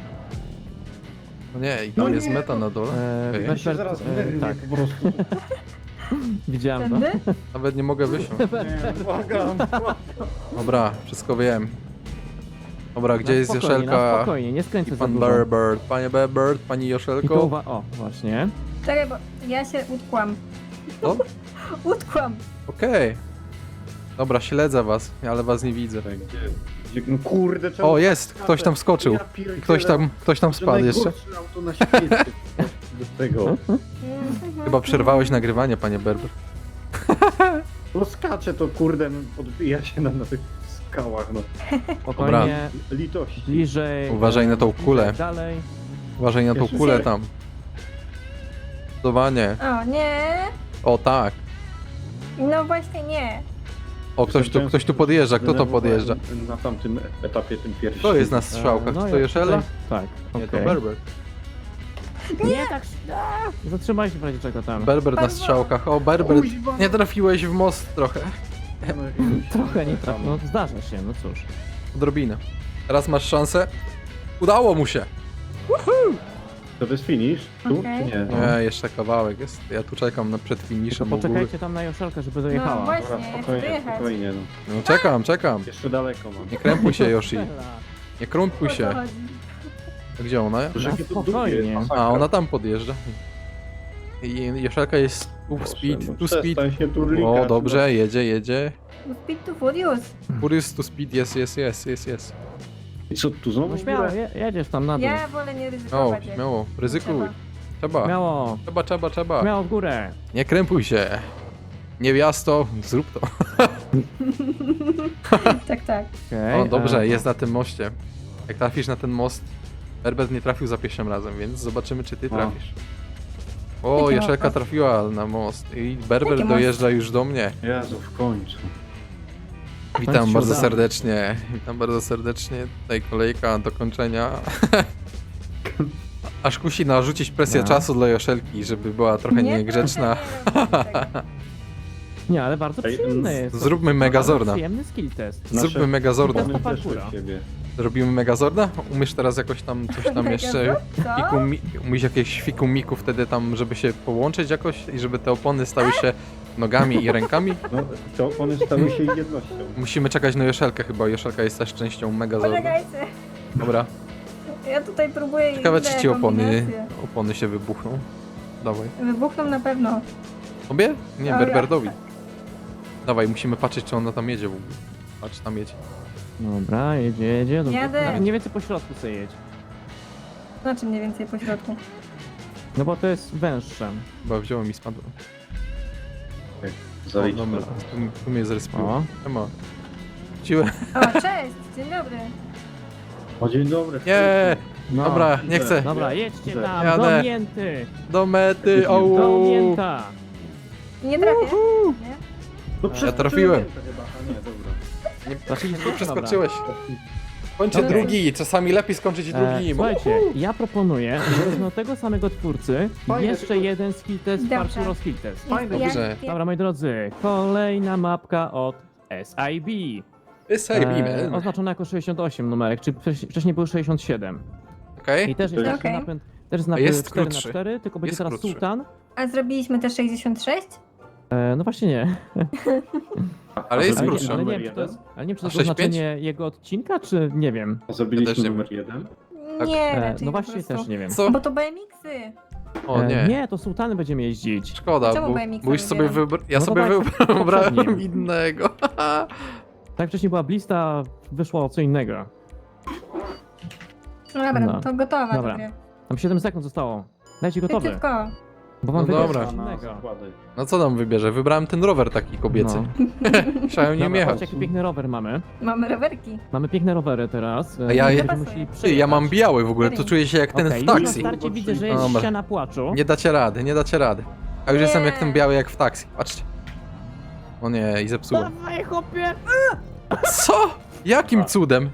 [SPEAKER 2] No nie, i tam jest meta na dole. Okej.
[SPEAKER 4] Ja się zaraz
[SPEAKER 1] tak,
[SPEAKER 4] po prostu.
[SPEAKER 1] widziałem to.
[SPEAKER 3] Tędy?
[SPEAKER 2] Nawet nie mogę wysiąść.
[SPEAKER 4] Nie, błagam.
[SPEAKER 2] Dobra, wszystko wiem. Dobra, gdzie
[SPEAKER 1] No,
[SPEAKER 2] jest
[SPEAKER 1] spokojnie, no,
[SPEAKER 2] Joszelka
[SPEAKER 1] spokojnie, nie
[SPEAKER 2] i
[SPEAKER 1] skręcę za
[SPEAKER 2] pan
[SPEAKER 1] dużo.
[SPEAKER 2] Berbert? Panie Berbert, pani
[SPEAKER 1] I to
[SPEAKER 2] Joszelko.
[SPEAKER 1] o, właśnie.
[SPEAKER 3] Czekaj, bo ja się utkłam.
[SPEAKER 2] O,
[SPEAKER 3] Utkłam.
[SPEAKER 2] okej. Dobra, śledzę was, ale was nie widzę.
[SPEAKER 4] Gdzie, no kurde, czemu...
[SPEAKER 2] O, jest! Ktoś tam wskoczył.
[SPEAKER 4] Ja pierdzielę.
[SPEAKER 2] Ktoś tam
[SPEAKER 4] To
[SPEAKER 2] spadł jeszcze.
[SPEAKER 4] najgorsze auto na świecie. Do tego.
[SPEAKER 3] Mhm.
[SPEAKER 2] Chyba przerwałeś nagrywanie, panie Berber.
[SPEAKER 4] No skacze to kurde, no, odbija się na tych skałach, no.
[SPEAKER 1] Spokojnie,
[SPEAKER 4] Litości.
[SPEAKER 1] bliżej.
[SPEAKER 2] Uważaj na tą kulę.
[SPEAKER 1] tak dalej.
[SPEAKER 2] Uważaj na tą
[SPEAKER 4] Jeszcze
[SPEAKER 2] kulę
[SPEAKER 4] się-
[SPEAKER 2] tam. Zdecydowanie.
[SPEAKER 3] O, nie.
[SPEAKER 2] O tak.
[SPEAKER 3] No właśnie nie.
[SPEAKER 2] O, ktoś tu podjeżdża. Kto to podjeżdża?
[SPEAKER 4] Na tamtym etapie, tym pierwszym.
[SPEAKER 2] To jest na strzałkach.
[SPEAKER 1] No,
[SPEAKER 2] Czy
[SPEAKER 1] ja
[SPEAKER 2] to Joszela?
[SPEAKER 1] tutaj- Tak,
[SPEAKER 2] Nie, to
[SPEAKER 1] okej.
[SPEAKER 2] Berber.
[SPEAKER 1] Nie, tak. Zatrzymaj się w razie czego tam.
[SPEAKER 2] Berber na
[SPEAKER 3] Berber.
[SPEAKER 2] strzałkach. O, Berber.
[SPEAKER 4] Kuźwa.
[SPEAKER 2] Nie trafiłeś w most trochę.
[SPEAKER 1] Trochę nie trafił, no zdarza się, no cóż.
[SPEAKER 2] Odrobinę. Teraz masz szansę. Udało mu się.
[SPEAKER 4] To jest finish? Tu
[SPEAKER 3] Okej.
[SPEAKER 4] czy nie?
[SPEAKER 2] Nie, jeszcze kawałek jest. Ja tu czekam przed
[SPEAKER 1] To
[SPEAKER 2] finiszem u góry.
[SPEAKER 1] poczekajcie tam na Joszelkę, żeby dojechała.
[SPEAKER 3] No właśnie,
[SPEAKER 4] Dobra,
[SPEAKER 3] ja chcę
[SPEAKER 4] spokojnie,
[SPEAKER 3] dojechać.
[SPEAKER 4] spokojnie, no.
[SPEAKER 2] No czekam.
[SPEAKER 4] Jeszcze daleko mam.
[SPEAKER 2] Nie krępuj się, Yoshi.
[SPEAKER 1] Joszela.
[SPEAKER 2] Nie krępuj
[SPEAKER 3] O co
[SPEAKER 2] się.
[SPEAKER 3] chodzi?
[SPEAKER 2] Gdzie ona?
[SPEAKER 4] Że
[SPEAKER 1] No,
[SPEAKER 4] jakie to
[SPEAKER 1] spokojnie.
[SPEAKER 4] długie, masakra.
[SPEAKER 2] A, ona tam podjeżdża. I Joszelka jest tu
[SPEAKER 4] Proszę,
[SPEAKER 2] speed,
[SPEAKER 4] no
[SPEAKER 2] tu speed.
[SPEAKER 4] przestań się turlikać,
[SPEAKER 2] O, dobrze, jedzie.
[SPEAKER 3] No Speed to Furious.
[SPEAKER 2] Furious to speed, jest.
[SPEAKER 4] No. I co, tu znowu
[SPEAKER 1] No
[SPEAKER 4] w
[SPEAKER 1] śmiało,
[SPEAKER 4] górę?
[SPEAKER 1] jedziesz tam na dół.
[SPEAKER 3] Ja wolę nie
[SPEAKER 2] O,
[SPEAKER 3] ryzykować.
[SPEAKER 2] śmiało, ryzykuj.
[SPEAKER 3] Trzeba.
[SPEAKER 2] Trzeba. Trzeba.
[SPEAKER 1] Śmiało w górę.
[SPEAKER 2] Nie krępuj się. Niewiasto, zrób to.
[SPEAKER 3] Tak.
[SPEAKER 1] Okay,
[SPEAKER 2] O, dobrze, jest na tym moście. Jak trafisz na ten most, Herbert nie trafił za pierwszym razem, więc zobaczymy, czy ty trafisz. O,
[SPEAKER 3] Jaki
[SPEAKER 2] Joszelka
[SPEAKER 3] most?
[SPEAKER 2] trafiła na most i Berber
[SPEAKER 3] Jaki most?
[SPEAKER 2] dojeżdża już do mnie.
[SPEAKER 4] Jezu, w końcu.
[SPEAKER 2] Witam
[SPEAKER 1] Końcu
[SPEAKER 2] bardzo
[SPEAKER 1] udało.
[SPEAKER 2] serdecznie. Witam bardzo serdecznie. Tutaj kolejka do kończenia. Aż kusi narzucić presję
[SPEAKER 1] No.
[SPEAKER 2] czasu dla Joszelki, żeby była trochę niegrzeczna.
[SPEAKER 1] Nie, ale bardzo
[SPEAKER 4] Ej,
[SPEAKER 1] przyjemny jest.
[SPEAKER 2] Zróbmy Megazorda.
[SPEAKER 1] Przyjemny skill test.
[SPEAKER 2] Zróbmy Megazorda.
[SPEAKER 1] Nasze-
[SPEAKER 4] Opony
[SPEAKER 1] parkura.
[SPEAKER 4] weszły w siebie.
[SPEAKER 2] Robimy Megazorda? Umiesz teraz jakoś tam coś tam jeszcze...
[SPEAKER 3] Co?
[SPEAKER 2] Umiesz jakieś fikumiku wtedy tam, żeby się połączyć jakoś i żeby te opony stały się nogami i rękami?
[SPEAKER 4] No, te opony stały się jednością.
[SPEAKER 2] Musimy czekać na Joszelkę chyba. Joszelka jest też częścią Megazorda.
[SPEAKER 3] Poczekajcie.
[SPEAKER 2] Dobra.
[SPEAKER 3] Ja tutaj próbuję
[SPEAKER 2] Ciekawe,
[SPEAKER 3] inne
[SPEAKER 2] czy ci
[SPEAKER 3] kombinacje.
[SPEAKER 2] opony się wybuchną. Dawaj.
[SPEAKER 3] Wybuchną na pewno.
[SPEAKER 2] Tobie? Nie,
[SPEAKER 3] O,
[SPEAKER 2] Berberdowi.
[SPEAKER 3] ja.
[SPEAKER 2] Dawaj, musimy patrzeć, czy ona tam jedzie w ogóle. Patrz, tam jedzie.
[SPEAKER 1] Dobra, jedzie. Dobra.
[SPEAKER 3] Jadę.
[SPEAKER 1] Nawet mniej więcej po środku sobie jedź.
[SPEAKER 3] Znaczy mniej więcej po środku.
[SPEAKER 1] No bo to jest węższe.
[SPEAKER 2] Chyba wziąłem i spadłem. O,
[SPEAKER 4] Zaliczmy.
[SPEAKER 2] dobra, tu mnie zrespiło.
[SPEAKER 1] O.
[SPEAKER 2] Ema. Wróciłem.
[SPEAKER 3] O, cześć, dzień dobry.
[SPEAKER 4] O, dzień dobry.
[SPEAKER 2] Nie!
[SPEAKER 1] No.
[SPEAKER 2] Dobra, nie chcę.
[SPEAKER 1] Dobra, jedźcie
[SPEAKER 4] Idę.
[SPEAKER 1] tam,
[SPEAKER 2] Jadę.
[SPEAKER 1] do mięty!
[SPEAKER 2] Do mety,
[SPEAKER 1] Do
[SPEAKER 2] au!
[SPEAKER 1] mięta!
[SPEAKER 3] Nie trafię. Nie?
[SPEAKER 4] No
[SPEAKER 2] trafiłem.
[SPEAKER 4] to chyba. A nie, dobra.
[SPEAKER 1] Trafiliście?
[SPEAKER 2] Nie przeskoczyłeś. Kończę
[SPEAKER 3] Dobra.
[SPEAKER 2] drugi, czasami lepiej skończyć drugi.
[SPEAKER 1] Słuchajcie, ja proponuję, że wezmę od tego samego twórcy
[SPEAKER 4] Fajne,
[SPEAKER 1] jeszcze
[SPEAKER 4] tylko-
[SPEAKER 1] jeden skill test,
[SPEAKER 3] Dobrze.
[SPEAKER 1] Parshuro skill test.
[SPEAKER 4] Fajne,
[SPEAKER 3] Ja-
[SPEAKER 2] dobrze.
[SPEAKER 1] Dobra, moi drodzy, kolejna mapka od SIB.
[SPEAKER 2] Wysajbimy.
[SPEAKER 1] Oznaczona jako 68 numerek, czy wcześniej był 67.
[SPEAKER 2] Okej?
[SPEAKER 1] I też jest
[SPEAKER 3] Okej.
[SPEAKER 1] taki napęd, też jest
[SPEAKER 2] A
[SPEAKER 1] napęd
[SPEAKER 2] jest
[SPEAKER 1] 4
[SPEAKER 2] krótszy.
[SPEAKER 1] na 4, tylko będzie
[SPEAKER 2] Jest
[SPEAKER 1] teraz
[SPEAKER 2] krótszy.
[SPEAKER 1] Sultan.
[SPEAKER 3] A zrobiliśmy też 66?
[SPEAKER 1] No właśnie nie.
[SPEAKER 2] Ale jest
[SPEAKER 1] Ale,
[SPEAKER 2] krótszy.
[SPEAKER 1] ale nie
[SPEAKER 4] Numer
[SPEAKER 1] wiem, czy to jest, ale nie wiem, czy to
[SPEAKER 2] A
[SPEAKER 1] jest
[SPEAKER 2] 6,5?
[SPEAKER 1] oznaczenie jego odcinka, czy nie wiem.
[SPEAKER 4] A zrobiliśmy
[SPEAKER 2] Ja też nie
[SPEAKER 4] numer 1?
[SPEAKER 2] Tak.
[SPEAKER 3] Nie, raczej
[SPEAKER 1] No
[SPEAKER 3] po
[SPEAKER 1] właśnie
[SPEAKER 3] prostu.
[SPEAKER 1] też nie wiem.
[SPEAKER 2] Co?
[SPEAKER 3] Bo to BMX-y.
[SPEAKER 2] O nie.
[SPEAKER 1] Nie, to Sultany będziemy jeździć.
[SPEAKER 2] Szkoda,
[SPEAKER 3] Czemu
[SPEAKER 2] bo,
[SPEAKER 3] BMX-a
[SPEAKER 2] bo już sobie
[SPEAKER 3] wybieram?
[SPEAKER 2] ja
[SPEAKER 1] No
[SPEAKER 2] sobie
[SPEAKER 1] bo tak,
[SPEAKER 2] wybrałem
[SPEAKER 1] poprzednim.
[SPEAKER 2] innego.
[SPEAKER 1] Tak wcześniej była blista, wyszło co innego.
[SPEAKER 3] No dobra,
[SPEAKER 1] No.
[SPEAKER 3] to gotowa
[SPEAKER 1] Dobra.
[SPEAKER 3] do gry.
[SPEAKER 1] Tam 7 sekund zostało. Dajcie gotowy,
[SPEAKER 3] Szybciutko.
[SPEAKER 1] bo mam
[SPEAKER 2] No
[SPEAKER 1] wybrać
[SPEAKER 2] dobra.
[SPEAKER 1] coś
[SPEAKER 4] Na
[SPEAKER 1] innego.
[SPEAKER 4] zakłady.
[SPEAKER 2] No co tam wybierze? Wybrałem ten rower taki kobiecy.
[SPEAKER 1] No.
[SPEAKER 2] Chciałem nim
[SPEAKER 1] Dobra,
[SPEAKER 2] jechać.
[SPEAKER 1] patrzcie, jaki piękny rower mamy.
[SPEAKER 3] Mamy rowerki.
[SPEAKER 1] Mamy piękne rowery teraz.
[SPEAKER 2] A ja-
[SPEAKER 1] będziemy
[SPEAKER 3] ja-
[SPEAKER 1] musieli
[SPEAKER 2] Ty, ja mam
[SPEAKER 1] przejechać.
[SPEAKER 2] biały w ogóle, to czuję się jak ten
[SPEAKER 1] Okej,
[SPEAKER 2] w
[SPEAKER 1] już na
[SPEAKER 2] taksi.
[SPEAKER 1] starcie widzę, że jest
[SPEAKER 2] Dobra.
[SPEAKER 1] ściana płaczu.
[SPEAKER 2] Nie dacie rady, nie dacie rady. A już
[SPEAKER 3] Nie.
[SPEAKER 2] jestem jak ten biały jak w taksi. Patrzcie. O nie, i zepsułem.
[SPEAKER 1] Dawaj, chłopie!
[SPEAKER 2] Co? Jakim cudem?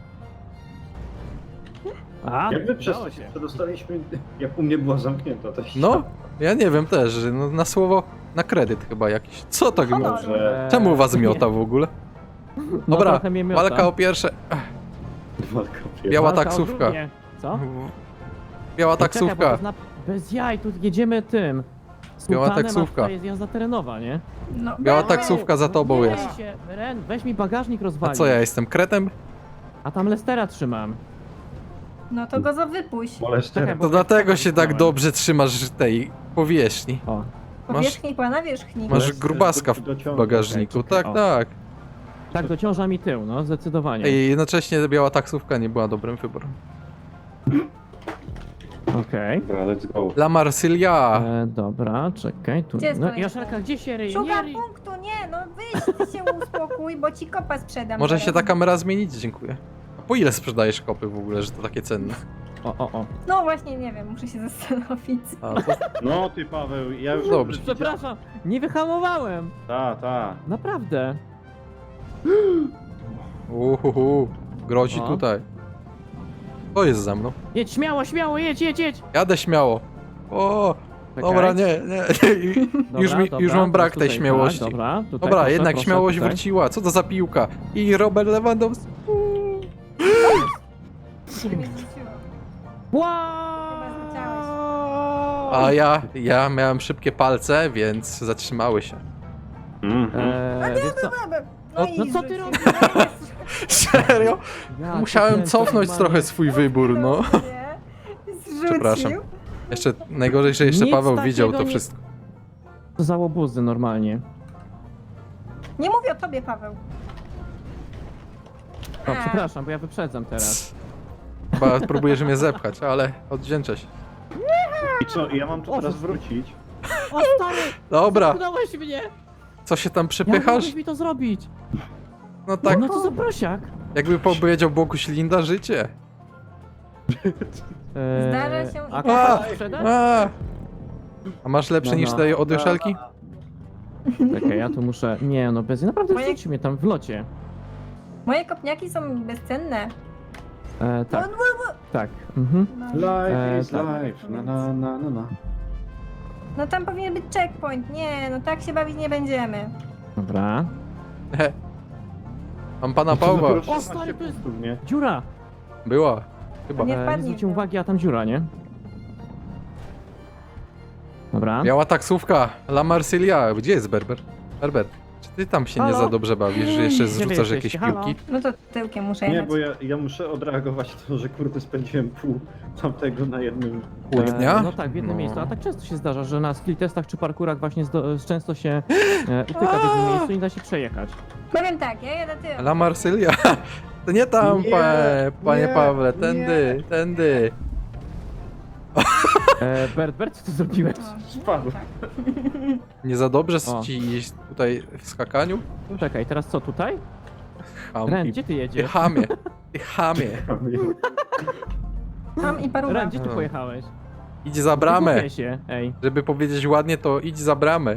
[SPEAKER 1] A,
[SPEAKER 4] Jak my
[SPEAKER 1] udało się.
[SPEAKER 4] przedostaliśmy, jak u mnie była zamknięta ta ściana.
[SPEAKER 2] No, ja nie wiem też, że no, na słowo, na kredyt chyba jakiś. Co tak
[SPEAKER 3] Honor.
[SPEAKER 2] miota?
[SPEAKER 4] Że
[SPEAKER 2] Czemu was miota w ogóle?
[SPEAKER 1] No,
[SPEAKER 2] Dobra,
[SPEAKER 1] trochę mnie miota.
[SPEAKER 2] walka o pierwsze.
[SPEAKER 4] walka
[SPEAKER 2] Biała
[SPEAKER 1] Walka o
[SPEAKER 2] taksówka.
[SPEAKER 1] drugie. Co?
[SPEAKER 2] Biała
[SPEAKER 1] Czekaj, bo to
[SPEAKER 2] taksówka.
[SPEAKER 1] jest bez jaj, tu jedziemy tym.
[SPEAKER 2] Biała
[SPEAKER 1] Sultanem, a
[SPEAKER 2] taksówka.
[SPEAKER 1] tutaj jest jazda terenowa, nie?
[SPEAKER 3] No,
[SPEAKER 2] Biała
[SPEAKER 3] dobra.
[SPEAKER 2] taksówka za tobą
[SPEAKER 1] Nie
[SPEAKER 2] jest.
[SPEAKER 1] daj się, Ren, weź mi bagażnik
[SPEAKER 2] A
[SPEAKER 1] rozwalić.
[SPEAKER 2] co ja jestem kretem?
[SPEAKER 1] A tam Lestera trzymam.
[SPEAKER 3] No to go wypuść.
[SPEAKER 4] Molester.
[SPEAKER 1] Czekaj,
[SPEAKER 2] To dlatego się tak dobrze trzymasz tej powierzchni.
[SPEAKER 1] O,
[SPEAKER 3] Powierzchni była na wierzchni.
[SPEAKER 2] Masz
[SPEAKER 4] Lester
[SPEAKER 2] grubaska w
[SPEAKER 4] dociąga.
[SPEAKER 2] bagażniku.
[SPEAKER 1] Okej,
[SPEAKER 2] Tak,
[SPEAKER 1] o.
[SPEAKER 2] tak.
[SPEAKER 1] tak dociąża mi tył, no, zdecydowanie.
[SPEAKER 2] I jednocześnie biała taksówka nie była dobrym wyborem.
[SPEAKER 1] Okej.
[SPEAKER 4] Dobra, let's go.
[SPEAKER 2] La Marsylia.
[SPEAKER 1] Dobra, czekaj, tu.
[SPEAKER 3] Gdzie jest
[SPEAKER 1] No,
[SPEAKER 3] kolejny?
[SPEAKER 1] Joszelka, gdzie się ryje? Nie
[SPEAKER 3] Szukam
[SPEAKER 1] ryj.
[SPEAKER 3] punktu, nie, no wyjdź ty się uspokój, bo ci kopa sprzedam.
[SPEAKER 2] Może
[SPEAKER 3] zaraz.
[SPEAKER 2] się ta kamera zmienić? Dziękuję. A po ile sprzedajesz kopy w ogóle, że to takie cenne?
[SPEAKER 1] O.
[SPEAKER 3] No właśnie, nie wiem, muszę się zastanowić.
[SPEAKER 2] A, to...
[SPEAKER 4] No ty Paweł, ja już...
[SPEAKER 2] Dobrze.
[SPEAKER 1] Przepraszam, nie wyhamowałem.
[SPEAKER 4] Ta.
[SPEAKER 1] Naprawdę.
[SPEAKER 2] Grozi
[SPEAKER 1] O.
[SPEAKER 2] tutaj. To jest za mną.
[SPEAKER 1] Jedź śmiało, śmiało, jedź.
[SPEAKER 2] Jadę śmiało. O,
[SPEAKER 1] Czekaj.
[SPEAKER 2] dobra, nie.
[SPEAKER 1] Dobra,
[SPEAKER 2] Już mam brak
[SPEAKER 1] teraz
[SPEAKER 2] tej
[SPEAKER 1] tutaj,
[SPEAKER 2] śmiałości.
[SPEAKER 1] Tak, dobra, tutaj,
[SPEAKER 2] Dobra,
[SPEAKER 1] proszę,
[SPEAKER 2] jednak
[SPEAKER 1] proszę,
[SPEAKER 2] śmiałość
[SPEAKER 1] tutaj.
[SPEAKER 2] wróciła. Co to za piłka? I Robert Lewandowski.
[SPEAKER 3] Się mnie zrzuciło.
[SPEAKER 2] A ja miałem szybkie palce, więc zatrzymały się.
[SPEAKER 1] Wiesz co?
[SPEAKER 3] No,
[SPEAKER 1] no
[SPEAKER 3] i
[SPEAKER 1] co ty
[SPEAKER 3] zrzucił.
[SPEAKER 1] robisz?
[SPEAKER 2] Serio?
[SPEAKER 1] Ja
[SPEAKER 2] Musiałem
[SPEAKER 1] cię
[SPEAKER 2] cofnąć
[SPEAKER 1] normalnie.
[SPEAKER 2] trochę swój wybór, no.
[SPEAKER 3] Zrzucił.
[SPEAKER 2] Przepraszam. Jeszcze najgorzej, że jeszcze
[SPEAKER 1] Nic
[SPEAKER 2] Paweł widział
[SPEAKER 1] takiego
[SPEAKER 2] to
[SPEAKER 1] nie-
[SPEAKER 2] wszystko.
[SPEAKER 1] To za łobuzy normalnie.
[SPEAKER 3] Nie mówię o tobie, Paweł.
[SPEAKER 1] O,
[SPEAKER 3] A.
[SPEAKER 1] przepraszam, bo ja wyprzedzam teraz.
[SPEAKER 2] Chyba próbujesz mnie zepchać, ale odwdzięczę się.
[SPEAKER 4] I co, ja mam tu
[SPEAKER 1] O,
[SPEAKER 4] teraz
[SPEAKER 1] że-
[SPEAKER 4] wrócić?
[SPEAKER 1] O stary!
[SPEAKER 2] Dobra,
[SPEAKER 1] Udałeś mnie!
[SPEAKER 2] co się tam
[SPEAKER 1] Jak
[SPEAKER 2] przepychasz?
[SPEAKER 1] mogłeś mi to zrobić?
[SPEAKER 2] No tak,
[SPEAKER 1] No to za prosiak.
[SPEAKER 2] jakby powiedział Boguś Linda, życie.
[SPEAKER 3] Zdarza się i
[SPEAKER 1] A
[SPEAKER 3] tak.
[SPEAKER 1] kogoś sprzedać?
[SPEAKER 2] A masz lepsze
[SPEAKER 1] No,
[SPEAKER 2] niż
[SPEAKER 1] no.
[SPEAKER 2] te od Joszelki?
[SPEAKER 1] Czekaj, ja tu muszę... Nie, no bez... Naprawdę
[SPEAKER 3] Moje-
[SPEAKER 1] wrzuć mnie tam w locie.
[SPEAKER 3] Moje kopniaki są bezcenne.
[SPEAKER 1] Tak,
[SPEAKER 3] No,
[SPEAKER 1] tak. Mhm.
[SPEAKER 3] no.
[SPEAKER 4] Life is
[SPEAKER 1] tak.
[SPEAKER 4] life, na.
[SPEAKER 3] No tam powinien być checkpoint. Nie, no tak się bawić nie będziemy.
[SPEAKER 1] Dobra.
[SPEAKER 2] Mam pana Pawła.
[SPEAKER 1] O, stary, to jest-
[SPEAKER 4] Nie?
[SPEAKER 1] Dziura!
[SPEAKER 2] Była. Chyba.
[SPEAKER 3] Nie
[SPEAKER 1] Nie
[SPEAKER 3] wpadnij w
[SPEAKER 1] zwróciłem
[SPEAKER 3] nią.
[SPEAKER 1] uwagi, a tam dziura, nie? Dobra.
[SPEAKER 2] Biała taksówka. La Marsylia. Gdzie jest Berber? Berber. Czy ty tam się nie
[SPEAKER 1] Halo?
[SPEAKER 2] za dobrze bawisz, że jeszcze
[SPEAKER 1] Gdzie wy
[SPEAKER 2] zrzucasz jakieś
[SPEAKER 1] jesteście? Halo?
[SPEAKER 2] piłki?
[SPEAKER 3] No to tyłkiem muszę
[SPEAKER 4] Nie,
[SPEAKER 3] jechać.
[SPEAKER 4] bo ja muszę odreagować to, że kurde spędziłem pół tamtego na jednym...
[SPEAKER 2] Pół dnia?
[SPEAKER 1] No tak, w jednym
[SPEAKER 2] No.
[SPEAKER 1] miejscu. A tak często się zdarza, że na skill testach czy parkurach właśnie często się utyka w jednym miejscu i nie da się przejechać.
[SPEAKER 3] Powiem tak, ja jadę tyłem.
[SPEAKER 2] La Marsylia. To nie tam,
[SPEAKER 4] Nie,
[SPEAKER 2] panie
[SPEAKER 4] nie,
[SPEAKER 2] Pawle,
[SPEAKER 4] nie.
[SPEAKER 2] tędy, tędy.
[SPEAKER 1] Bert, co ty zrobiłeś?
[SPEAKER 3] O,
[SPEAKER 4] Spadł.
[SPEAKER 3] tak.
[SPEAKER 2] Nie za dobrze
[SPEAKER 1] O.
[SPEAKER 2] ci tutaj w skakaniu?
[SPEAKER 1] Czekaj, teraz co, tutaj?
[SPEAKER 2] Ham
[SPEAKER 1] Ren,
[SPEAKER 2] i-
[SPEAKER 1] gdzie ty
[SPEAKER 2] Ty
[SPEAKER 1] jedziesz?
[SPEAKER 2] chamie, ty chamie.
[SPEAKER 3] Mam i paruwa.
[SPEAKER 1] Ren, gdzie ty
[SPEAKER 2] No.
[SPEAKER 1] pojechałeś?
[SPEAKER 2] Idź za bramę.
[SPEAKER 1] Gubię się, ej.
[SPEAKER 2] Żeby powiedzieć ładnie, to idź za bramę.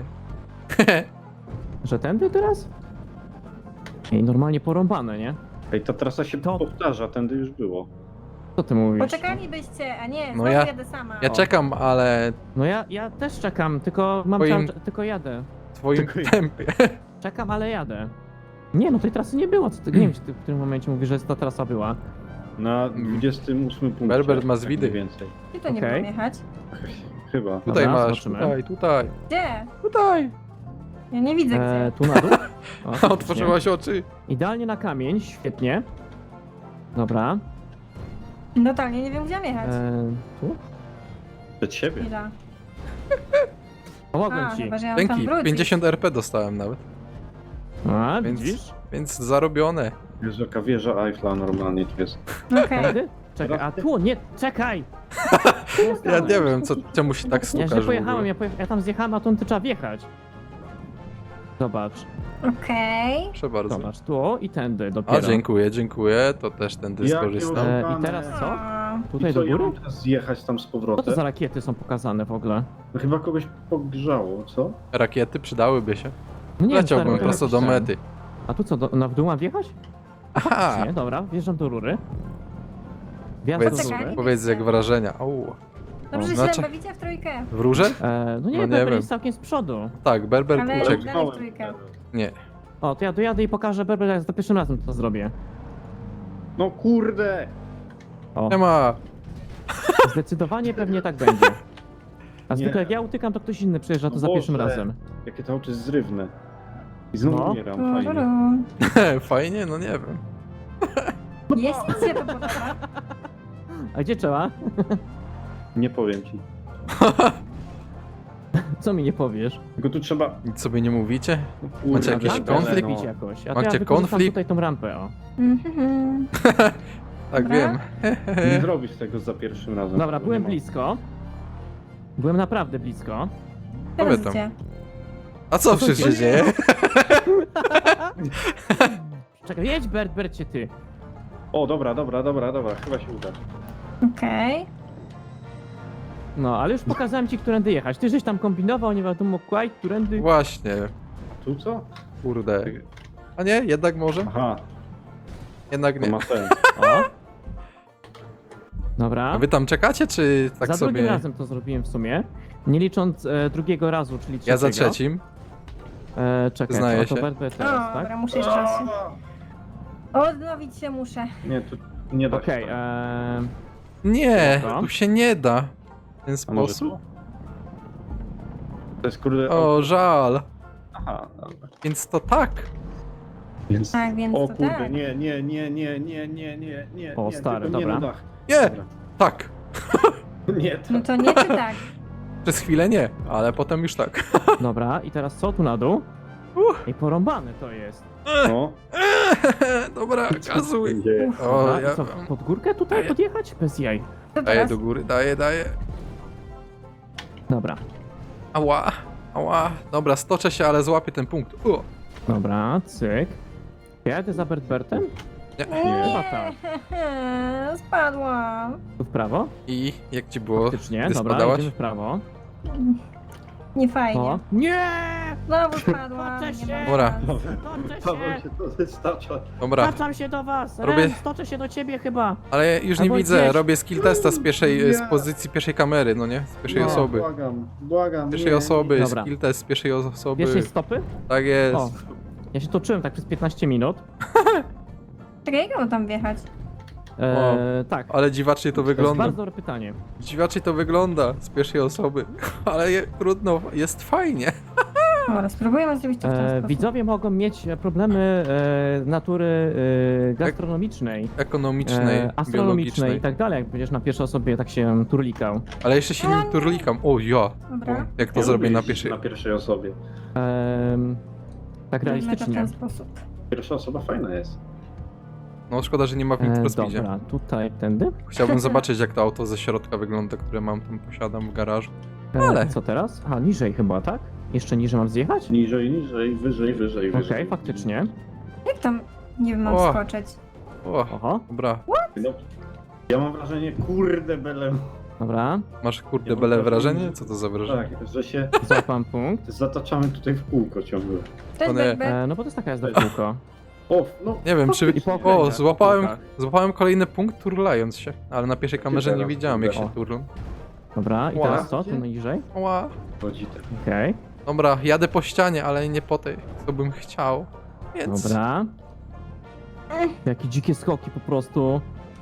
[SPEAKER 1] Że tędy teraz? Ej, normalnie porąbane, nie?
[SPEAKER 4] Ej, ta trasa się
[SPEAKER 1] To-
[SPEAKER 4] powtarza, tędy już było.
[SPEAKER 1] Co ty mówisz?
[SPEAKER 3] Poczekalibyście, a nie,
[SPEAKER 2] No
[SPEAKER 3] znowu
[SPEAKER 2] ja-
[SPEAKER 3] jadę sama.
[SPEAKER 2] Ja czekam, ale
[SPEAKER 1] No ja też czekam, tylko mam
[SPEAKER 2] Twoim-
[SPEAKER 1] tylko jadę.
[SPEAKER 2] w twoim
[SPEAKER 4] Tylko-
[SPEAKER 2] tempie.
[SPEAKER 1] Czekam, ale jadę. Nie, no tej trasy nie było. Co ty, nie wiem, czy ty w którym momencie mówisz, że ta trasa była.
[SPEAKER 4] Na 28 punkcie.
[SPEAKER 2] Berbert ma
[SPEAKER 4] tak
[SPEAKER 2] zwidy.
[SPEAKER 4] mniej więcej.
[SPEAKER 3] Gdzie to nie
[SPEAKER 1] Okej.
[SPEAKER 3] okay. jechać?
[SPEAKER 4] Chyba.
[SPEAKER 2] Tutaj
[SPEAKER 1] Dobra,
[SPEAKER 2] masz,
[SPEAKER 1] zobaczymy.
[SPEAKER 2] tutaj,
[SPEAKER 3] Gdzie?
[SPEAKER 2] tutaj.
[SPEAKER 3] Ja nie widzę gdzie.
[SPEAKER 1] Tu na dół. O, faktycznie.
[SPEAKER 2] Otworzyłaś oczy.
[SPEAKER 1] Idealnie na kamień, świetnie. Dobra.
[SPEAKER 3] Totalnie nie wiem gdzie mam jechać.
[SPEAKER 1] Tu?
[SPEAKER 4] Przed siebie.
[SPEAKER 3] Chwila.
[SPEAKER 1] Pomogłem
[SPEAKER 3] A,
[SPEAKER 1] ci.
[SPEAKER 3] chyba, że ja mam tam
[SPEAKER 2] Dzięki,
[SPEAKER 3] wrócić.
[SPEAKER 2] 50 RP dostałem nawet.
[SPEAKER 1] A,
[SPEAKER 2] Więc,
[SPEAKER 1] widzisz?
[SPEAKER 2] więc zarobione.
[SPEAKER 4] Jest jaka wieża Eiffla normalnie tu jest.
[SPEAKER 3] Okej.
[SPEAKER 1] Tędy? Czekaj, a tu, nie, czekaj!
[SPEAKER 2] Ja nie wiem, czemu się tak
[SPEAKER 1] Ja
[SPEAKER 2] stukasz
[SPEAKER 1] źle
[SPEAKER 2] w
[SPEAKER 1] pojechałem,
[SPEAKER 2] ogóle.
[SPEAKER 1] ja tam zjechałem, a tu trzeba wjechać. Zobacz,
[SPEAKER 3] Okej.
[SPEAKER 2] Proszę bardzo.
[SPEAKER 1] zobacz, tu i tędy dopiero.
[SPEAKER 2] A, dziękuję, to też tędy
[SPEAKER 4] Jakie
[SPEAKER 2] skorzystam.
[SPEAKER 1] I teraz co?
[SPEAKER 3] A,
[SPEAKER 1] Tutaj
[SPEAKER 4] I co,
[SPEAKER 1] do
[SPEAKER 4] ja
[SPEAKER 1] góry?
[SPEAKER 4] mam teraz zjechać tam z
[SPEAKER 1] Co to
[SPEAKER 4] powrotem?
[SPEAKER 1] za rakiety są pokazane w ogóle?
[SPEAKER 4] No chyba kogoś pogrzało, co?
[SPEAKER 2] Rakiety przydałyby się.
[SPEAKER 1] No nie wiem,
[SPEAKER 2] Leciałbym
[SPEAKER 1] stary,
[SPEAKER 2] prosto do
[SPEAKER 1] jakiś ten.
[SPEAKER 2] mety.
[SPEAKER 1] A tu co, na w dół mam wjechać?
[SPEAKER 2] Aha!
[SPEAKER 1] Nie, dobra, wjeżdżam do rury. Wjazd
[SPEAKER 2] Powiedz,
[SPEAKER 1] do
[SPEAKER 3] Poczekaj.
[SPEAKER 1] rury.
[SPEAKER 2] powiedz jak wrażenia. Au.
[SPEAKER 3] Dobrze, że
[SPEAKER 2] Znaczy-
[SPEAKER 3] się bawicie w trójkę.
[SPEAKER 2] W róże?
[SPEAKER 1] No nie,
[SPEAKER 2] No nie
[SPEAKER 1] Berber
[SPEAKER 2] wiem.
[SPEAKER 1] jest całkiem z przodu.
[SPEAKER 2] Tak, Berber
[SPEAKER 3] Ale-
[SPEAKER 2] uciekł.
[SPEAKER 3] Dalej w trójkę.
[SPEAKER 2] Nie.
[SPEAKER 1] O, to ja dojadę i pokażę Berber, jak za pierwszym razem to zrobię.
[SPEAKER 4] No kurde!
[SPEAKER 1] O,
[SPEAKER 2] Nie ma.
[SPEAKER 1] zdecydowanie pewnie tak będzie. A
[SPEAKER 4] Nie.
[SPEAKER 1] zwykle jak ja utykam, to ktoś inny przyjeżdża to
[SPEAKER 4] O
[SPEAKER 1] za pierwszym
[SPEAKER 4] Boże.
[SPEAKER 1] razem.
[SPEAKER 4] Jakie to oczy zrywne. I znowu
[SPEAKER 1] No.
[SPEAKER 4] umieram, fajnie.
[SPEAKER 2] Fajnie? No nie wiem.
[SPEAKER 3] Jeśli ci się to podoba.
[SPEAKER 1] A gdzie trzeba?
[SPEAKER 4] Nie powiem ci.
[SPEAKER 1] Co mi nie powiesz?
[SPEAKER 4] Tylko tu trzeba...
[SPEAKER 2] Nic sobie nie mówicie?
[SPEAKER 4] No kurde,
[SPEAKER 2] Macie jakiś
[SPEAKER 1] Rampę
[SPEAKER 2] konflikt?
[SPEAKER 1] zrobić jakoś. A to
[SPEAKER 2] Macie
[SPEAKER 1] ja wykorzystam
[SPEAKER 2] konflikt?
[SPEAKER 1] tutaj tą rampę, o.
[SPEAKER 3] Mhm.
[SPEAKER 2] Tak
[SPEAKER 3] Dobra.
[SPEAKER 2] wiem.
[SPEAKER 4] Nie zrobisz tego za pierwszym razem.
[SPEAKER 1] Dobra, byłem
[SPEAKER 4] Nie ma.
[SPEAKER 1] blisko. Byłem naprawdę blisko.
[SPEAKER 3] Teraz
[SPEAKER 2] tam.
[SPEAKER 3] gdzie?
[SPEAKER 2] A co przecież się dzieje?
[SPEAKER 1] Czekaj, jedź Bercie ty.
[SPEAKER 4] O, dobra. Chyba się uda.
[SPEAKER 3] Okej.
[SPEAKER 1] No, ale już pokazałem ci, którędy jechać. Ty żeś tam kombinował, nie wiadomo quite, którędy...
[SPEAKER 2] Właśnie.
[SPEAKER 4] Tu co?
[SPEAKER 2] Kurde. A nie? Jednak może?
[SPEAKER 4] Aha,
[SPEAKER 2] Jednak
[SPEAKER 4] to
[SPEAKER 2] nie.
[SPEAKER 4] ma sens.
[SPEAKER 1] O. Dobra.
[SPEAKER 2] A wy tam czekacie, czy tak
[SPEAKER 1] za drugim
[SPEAKER 2] sobie...
[SPEAKER 1] razem to zrobiłem w sumie. Nie licząc drugiego razu, czyli trzeciego.
[SPEAKER 2] Ja za trzecim.
[SPEAKER 1] Czekaj,
[SPEAKER 2] Przyznaję
[SPEAKER 1] to
[SPEAKER 2] się.
[SPEAKER 1] Bert teraz,
[SPEAKER 3] O,
[SPEAKER 1] tak?
[SPEAKER 3] dobra, muszę jeszcze raz. Odnowić się muszę.
[SPEAKER 4] Nie, tu nie da
[SPEAKER 1] Okej,
[SPEAKER 4] się.
[SPEAKER 2] Nie,
[SPEAKER 1] Dobra.
[SPEAKER 2] tu się nie da. W ten
[SPEAKER 4] A może
[SPEAKER 2] sposób?
[SPEAKER 4] tu? To jest kurde...
[SPEAKER 2] O, żal.
[SPEAKER 4] Aha, dobra.
[SPEAKER 2] Więc to tak.
[SPEAKER 4] Więc...
[SPEAKER 3] Tak, więc
[SPEAKER 4] O
[SPEAKER 3] to
[SPEAKER 4] kurde,
[SPEAKER 3] tak.
[SPEAKER 4] nie.
[SPEAKER 1] O,
[SPEAKER 4] nie,
[SPEAKER 1] stary,
[SPEAKER 4] tylko
[SPEAKER 1] dobra.
[SPEAKER 4] Nie, na dach.
[SPEAKER 2] Nie,
[SPEAKER 4] Dobra.
[SPEAKER 2] tak.
[SPEAKER 4] Nie,
[SPEAKER 3] No to nie czy tak?
[SPEAKER 2] Przez chwilę nie, ale potem już tak.
[SPEAKER 1] Dobra, i teraz co tu na dół? I porąbane to jest.
[SPEAKER 4] no.
[SPEAKER 2] Dobra, gazuj.
[SPEAKER 4] Dzieje.
[SPEAKER 2] O,
[SPEAKER 1] Dobra,
[SPEAKER 2] ja
[SPEAKER 1] i co, pod górkę tutaj
[SPEAKER 2] Daję.
[SPEAKER 1] podjechać? Bez jaj.
[SPEAKER 3] To
[SPEAKER 2] daję
[SPEAKER 3] teraz?
[SPEAKER 2] do góry, daję.
[SPEAKER 1] Dobra,
[SPEAKER 2] Ała. Dobra, stoczę się, ale złapię ten punkt. O.
[SPEAKER 1] dobra, cyk. Ja jadę za Bertem?
[SPEAKER 2] Nie.
[SPEAKER 1] Chyba tak.
[SPEAKER 3] Spadłam.
[SPEAKER 1] Tu w prawo?
[SPEAKER 2] I jak ci było,
[SPEAKER 1] Faktycznie,
[SPEAKER 2] gdy
[SPEAKER 1] dobra,
[SPEAKER 2] spadałaś?
[SPEAKER 1] idziemy w prawo.
[SPEAKER 3] Nie fajnie.
[SPEAKER 1] O. Nie!
[SPEAKER 3] Znowu spadłam.
[SPEAKER 1] Toczę się.
[SPEAKER 3] Nie ma
[SPEAKER 2] Dobra.
[SPEAKER 3] szans.
[SPEAKER 1] Stoczę
[SPEAKER 4] Paweł
[SPEAKER 1] się!
[SPEAKER 4] się to wystarcza.
[SPEAKER 2] Dobra,
[SPEAKER 1] Wracam się do was!
[SPEAKER 2] Robię-
[SPEAKER 1] Ren, stoczę się do ciebie chyba!
[SPEAKER 2] ale już nie
[SPEAKER 1] Albo
[SPEAKER 2] widzę,
[SPEAKER 1] gdzieś.
[SPEAKER 2] robię skill testa z pierwszej,
[SPEAKER 4] Nie.
[SPEAKER 2] z pozycji pierwszej kamery, no nie? Z pierwszej
[SPEAKER 1] No.
[SPEAKER 2] osoby.
[SPEAKER 4] Błagam.
[SPEAKER 2] Pierwszej
[SPEAKER 4] nie.
[SPEAKER 2] osoby,
[SPEAKER 1] Dobra.
[SPEAKER 2] skill test z pierwszej osoby.
[SPEAKER 1] Pierwszej stopy?
[SPEAKER 2] Tak jest.
[SPEAKER 1] O. Ja się toczyłem tak przez 15 minut.
[SPEAKER 3] Czekaj, jak mam tam wjechać?
[SPEAKER 1] Tak.
[SPEAKER 2] Ale dziwacznie to
[SPEAKER 1] To jest
[SPEAKER 2] wygląda.
[SPEAKER 1] bardzo dobre pytanie.
[SPEAKER 2] Dziwacznie to wygląda z pierwszej osoby. Ale trudno, jest fajnie.
[SPEAKER 3] Dobra, spróbujemy zrobić to w ten sposób.
[SPEAKER 1] Widzowie mogą mieć problemy natury gastronomicznej,
[SPEAKER 2] Ekonomicznej,
[SPEAKER 1] astronomicznej
[SPEAKER 2] biologicznej.
[SPEAKER 1] i tak dalej, jak będziesz na pierwszej osobie tak się turlikał.
[SPEAKER 2] Ale jeszcze się nie turlikam. O ja.
[SPEAKER 3] Dobra.
[SPEAKER 2] Jak to
[SPEAKER 4] Ja
[SPEAKER 2] zrobię
[SPEAKER 4] lubię
[SPEAKER 2] na
[SPEAKER 4] jeździć
[SPEAKER 2] pierwszej.
[SPEAKER 4] Na pierwszej osobie.
[SPEAKER 1] Tak
[SPEAKER 3] Zrobimy to w
[SPEAKER 1] realistycznie.
[SPEAKER 3] ten sposób.
[SPEAKER 4] Pierwsza osoba fajna jest.
[SPEAKER 2] No szkoda, że nie ma w Need for Speedzie.
[SPEAKER 1] Dobra, tutaj, tędy.
[SPEAKER 2] Chciałbym zobaczyć, jak to auto ze środka wygląda, które mam tam, posiadam w garażu. Ale-
[SPEAKER 1] Co teraz? A, niżej chyba, tak? Jeszcze niżej mam zjechać?
[SPEAKER 4] Niżej, niżej, wyżej, wyżej,
[SPEAKER 1] Okej,
[SPEAKER 4] wyżej.
[SPEAKER 1] faktycznie.
[SPEAKER 3] Jak tam, nie wiem, mam
[SPEAKER 2] O.
[SPEAKER 3] skoczyć?
[SPEAKER 2] O,
[SPEAKER 1] Oho,
[SPEAKER 2] dobra.
[SPEAKER 4] No, ja mam wrażenie, kurde bele,
[SPEAKER 1] dobra.
[SPEAKER 2] Masz kurde
[SPEAKER 4] Ja
[SPEAKER 2] bele
[SPEAKER 4] mam
[SPEAKER 2] wrażenie? Co to za wrażenie?
[SPEAKER 4] tak, że się
[SPEAKER 1] Złapam punkt.
[SPEAKER 4] zataczamy tutaj w kółko ciągle.
[SPEAKER 3] Cześć,
[SPEAKER 2] One-
[SPEAKER 3] Berber.
[SPEAKER 1] No bo to jest taka jazda w kółko.
[SPEAKER 4] O, no,
[SPEAKER 2] Nie wiem, czy...
[SPEAKER 1] I po
[SPEAKER 2] O,
[SPEAKER 1] okręgach,
[SPEAKER 2] złapałem,
[SPEAKER 1] po kółkach.
[SPEAKER 2] złapałem kolejny punkt turlając się. Ale na pierwszej kamerze nie
[SPEAKER 4] teraz,
[SPEAKER 2] widziałem, jak
[SPEAKER 4] kurde.
[SPEAKER 2] się turlą.
[SPEAKER 1] Dobra, i
[SPEAKER 2] Ła.
[SPEAKER 1] teraz co? Tu niżej?
[SPEAKER 2] Ła.
[SPEAKER 4] chodzi tak.
[SPEAKER 1] Okej,
[SPEAKER 2] Dobra, jadę po ścianie, ale nie po tej, co bym chciał. Więc...
[SPEAKER 1] dobra. Jakie dzikie skoki po prostu.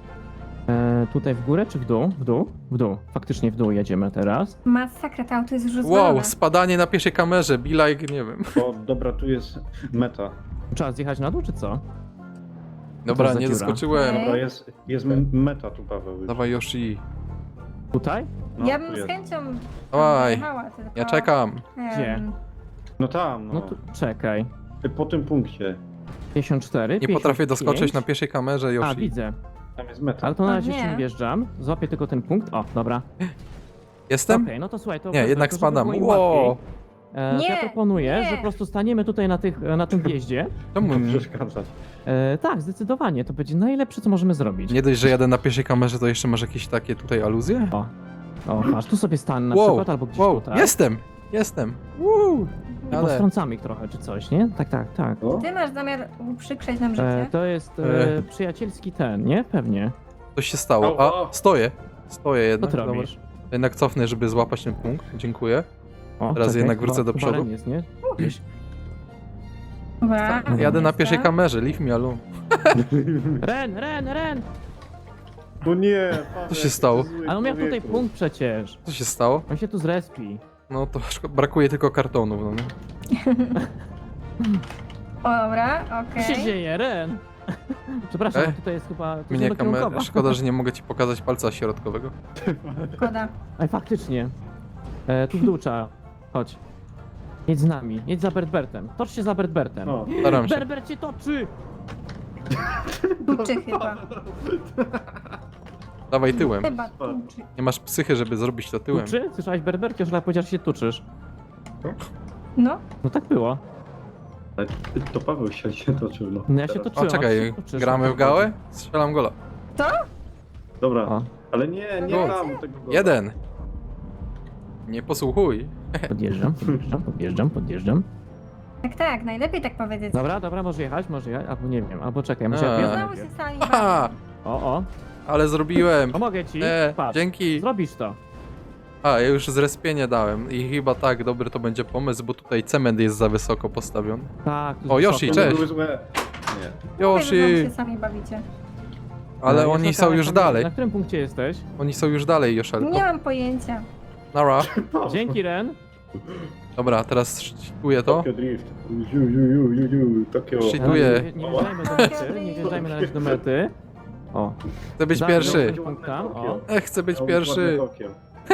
[SPEAKER 1] Tutaj w górę czy w dół? W dół? W dół. Faktycznie w dół jedziemy teraz.
[SPEAKER 3] Masakra, to auto jest już rozwalone.
[SPEAKER 2] Wow, spadanie na pierwszej kamerze, be like, nie wiem.
[SPEAKER 4] O, dobra, tu jest meta.
[SPEAKER 1] Trzeba zjechać na dół czy co?
[SPEAKER 2] Dobra,
[SPEAKER 1] za
[SPEAKER 2] nie
[SPEAKER 1] dziura?
[SPEAKER 2] zaskoczyłem.
[SPEAKER 4] Dobra, jest meta tu, Paweł.
[SPEAKER 2] Dawaj Yoshi.
[SPEAKER 1] Tutaj?
[SPEAKER 4] No,
[SPEAKER 3] Ja
[SPEAKER 4] tu
[SPEAKER 3] bym z
[SPEAKER 4] jest.
[SPEAKER 3] chęcią
[SPEAKER 2] Dawaj.
[SPEAKER 3] jechała, tylko...
[SPEAKER 2] Ja czekam.
[SPEAKER 1] Gdzie?
[SPEAKER 4] No tam,
[SPEAKER 1] No
[SPEAKER 4] no.
[SPEAKER 1] tu, czekaj.
[SPEAKER 4] Po tym punkcie.
[SPEAKER 1] 54,
[SPEAKER 2] Nie potrafię
[SPEAKER 1] 55.
[SPEAKER 2] doskoczyć na pierwszej kamerze,
[SPEAKER 1] A,
[SPEAKER 2] Yoshi.
[SPEAKER 1] widzę.
[SPEAKER 4] Tam jest meta.
[SPEAKER 1] Ale to na
[SPEAKER 3] O,
[SPEAKER 1] razie
[SPEAKER 3] nie.
[SPEAKER 1] jeszcze nie wjeżdżam. Złapię tylko ten punkt. O, dobra.
[SPEAKER 2] Jestem?
[SPEAKER 1] Okej, no to słuchaj, to...
[SPEAKER 2] Nie, jednak
[SPEAKER 1] to żeby
[SPEAKER 2] spadam.
[SPEAKER 1] było im
[SPEAKER 2] Wow.
[SPEAKER 1] łatwiej,
[SPEAKER 3] Nie,
[SPEAKER 1] ja proponuję,
[SPEAKER 3] nie.
[SPEAKER 1] że po prostu staniemy tutaj na tym wjeździe.
[SPEAKER 2] Czemu nie?
[SPEAKER 4] Przeszkadzać.
[SPEAKER 1] Tak, zdecydowanie. To będzie najlepsze, co możemy zrobić.
[SPEAKER 2] Nie dość, że jadę na pierwszej kamerze, to jeszcze masz jakieś takie tutaj aluzje?
[SPEAKER 1] O, masz tu sobie stan na
[SPEAKER 2] Wow,
[SPEAKER 1] przykład, albo gdzieś
[SPEAKER 2] wow,
[SPEAKER 1] tutaj.
[SPEAKER 2] jestem. Woo.
[SPEAKER 1] I
[SPEAKER 2] Ale
[SPEAKER 1] postrącamy ich trochę, czy coś, nie? Tak, tak, tak.
[SPEAKER 4] O,
[SPEAKER 3] Ty masz zamiar uprzykrzeć nam życie?
[SPEAKER 1] To jest przyjacielski ten, nie? Pewnie.
[SPEAKER 2] coś się stało.
[SPEAKER 4] O,
[SPEAKER 2] A, stoję. Stoję
[SPEAKER 1] Co
[SPEAKER 2] jednak.
[SPEAKER 1] ty
[SPEAKER 2] Dobra.
[SPEAKER 1] robisz?
[SPEAKER 2] Jednak cofnę, żeby złapać ten punkt. Dziękuję.
[SPEAKER 1] O,
[SPEAKER 2] Teraz jednak wrócę
[SPEAKER 1] chyba-
[SPEAKER 2] do
[SPEAKER 1] chyba
[SPEAKER 2] przodu.
[SPEAKER 1] Ren jest, nie? Gdzieś.
[SPEAKER 3] Dobra.
[SPEAKER 2] Jadę na
[SPEAKER 3] Jestem.
[SPEAKER 2] pierwszej kamerze, leave me alone.
[SPEAKER 1] Ren!
[SPEAKER 4] No nie, Paweł,
[SPEAKER 2] Co się stało?
[SPEAKER 4] ty zły
[SPEAKER 1] Ale on miał tutaj
[SPEAKER 4] człowieku.
[SPEAKER 1] punkt przecież.
[SPEAKER 2] Co się stało?
[SPEAKER 1] On się tu zrespi.
[SPEAKER 2] No to brakuje tylko kartonów, no nie?
[SPEAKER 3] O, dobra,
[SPEAKER 1] Co się
[SPEAKER 3] okej.
[SPEAKER 1] dzieje, Ren? Przepraszam,
[SPEAKER 2] Ej,
[SPEAKER 1] tutaj jest chyba... To
[SPEAKER 2] Mnie
[SPEAKER 1] jest
[SPEAKER 2] kamera. Szkoda, że nie mogę ci pokazać palca środkowego.
[SPEAKER 3] Szkoda.
[SPEAKER 1] Ej, faktycznie. Tu w dół trzeba. Chodź. Jedź z nami, jedź za Bertbertem. Tocz się za Bertbertem.
[SPEAKER 4] No.
[SPEAKER 2] Staram się.
[SPEAKER 1] Berbert cię toczy!
[SPEAKER 3] Tuczy chyba.
[SPEAKER 2] Dawaj tyłem.
[SPEAKER 3] Chyba tuczy.
[SPEAKER 2] Nie masz psychy, żeby zrobić to tyłem.
[SPEAKER 1] Tuczy? Słyszałeś Berbercie, już powiedział, że się tuczysz.
[SPEAKER 3] No.
[SPEAKER 1] No tak było.
[SPEAKER 4] Ale to Paweł się toczył, no.
[SPEAKER 1] No ja się
[SPEAKER 4] Teraz.
[SPEAKER 1] toczyłem.
[SPEAKER 2] O,
[SPEAKER 1] a ty
[SPEAKER 2] czekaj,
[SPEAKER 1] się tuczysz.
[SPEAKER 2] gramy w gałę? Strzelam gola.
[SPEAKER 4] Dobra,
[SPEAKER 1] O,
[SPEAKER 4] ale nie
[SPEAKER 2] Gol.
[SPEAKER 4] tam tego gola.
[SPEAKER 2] 1. Nie posłuchuj.
[SPEAKER 1] podjeżdżam.
[SPEAKER 3] Tak, tak, najlepiej tak powiedzieć.
[SPEAKER 1] Dobra, może jechać, albo nie wiem, albo czekaj, muszę
[SPEAKER 2] A.
[SPEAKER 1] wjechać
[SPEAKER 3] Znowu się
[SPEAKER 1] najpierw.
[SPEAKER 3] sami
[SPEAKER 2] Haha,
[SPEAKER 1] O, o,
[SPEAKER 2] ale zrobiłem.
[SPEAKER 1] pomogę ci, patrz.
[SPEAKER 2] Dzięki.
[SPEAKER 1] Zrobisz to.
[SPEAKER 2] A, ja już zrespienie dałem i chyba tak, dobry to będzie pomysł, bo tutaj cement jest za wysoko postawiony.
[SPEAKER 1] Tak. tu
[SPEAKER 2] O,
[SPEAKER 1] jest
[SPEAKER 2] Yoshi,
[SPEAKER 1] wysoko.
[SPEAKER 4] To
[SPEAKER 2] cześć.
[SPEAKER 4] były złe. Nie.
[SPEAKER 3] Znowu
[SPEAKER 2] Yoshi!
[SPEAKER 3] się sami bawicie.
[SPEAKER 2] Ale
[SPEAKER 1] No,
[SPEAKER 2] oni
[SPEAKER 1] Joszelka,
[SPEAKER 2] są już
[SPEAKER 1] tam-
[SPEAKER 2] dalej.
[SPEAKER 1] Na którym punkcie jesteś?
[SPEAKER 2] Oni są już dalej, Joszelko.
[SPEAKER 3] Nie mam pojęcia.
[SPEAKER 2] Nara.
[SPEAKER 1] Dzięki, Ren.
[SPEAKER 2] Dobra, teraz szczytuję to.
[SPEAKER 4] Tokyo Drift. Tokyo.
[SPEAKER 2] Shit.
[SPEAKER 1] No,
[SPEAKER 2] Dziękuję.
[SPEAKER 1] nie wjeżdżajmy do mety, nie wjeżdżajmy na razie do mety. O,
[SPEAKER 2] Chcę być
[SPEAKER 1] Dawaj,
[SPEAKER 2] pierwszy.
[SPEAKER 1] dawaj. punkt tam, o.
[SPEAKER 2] Chcę być
[SPEAKER 4] Miał
[SPEAKER 2] pierwszy.
[SPEAKER 4] ładne Tokio.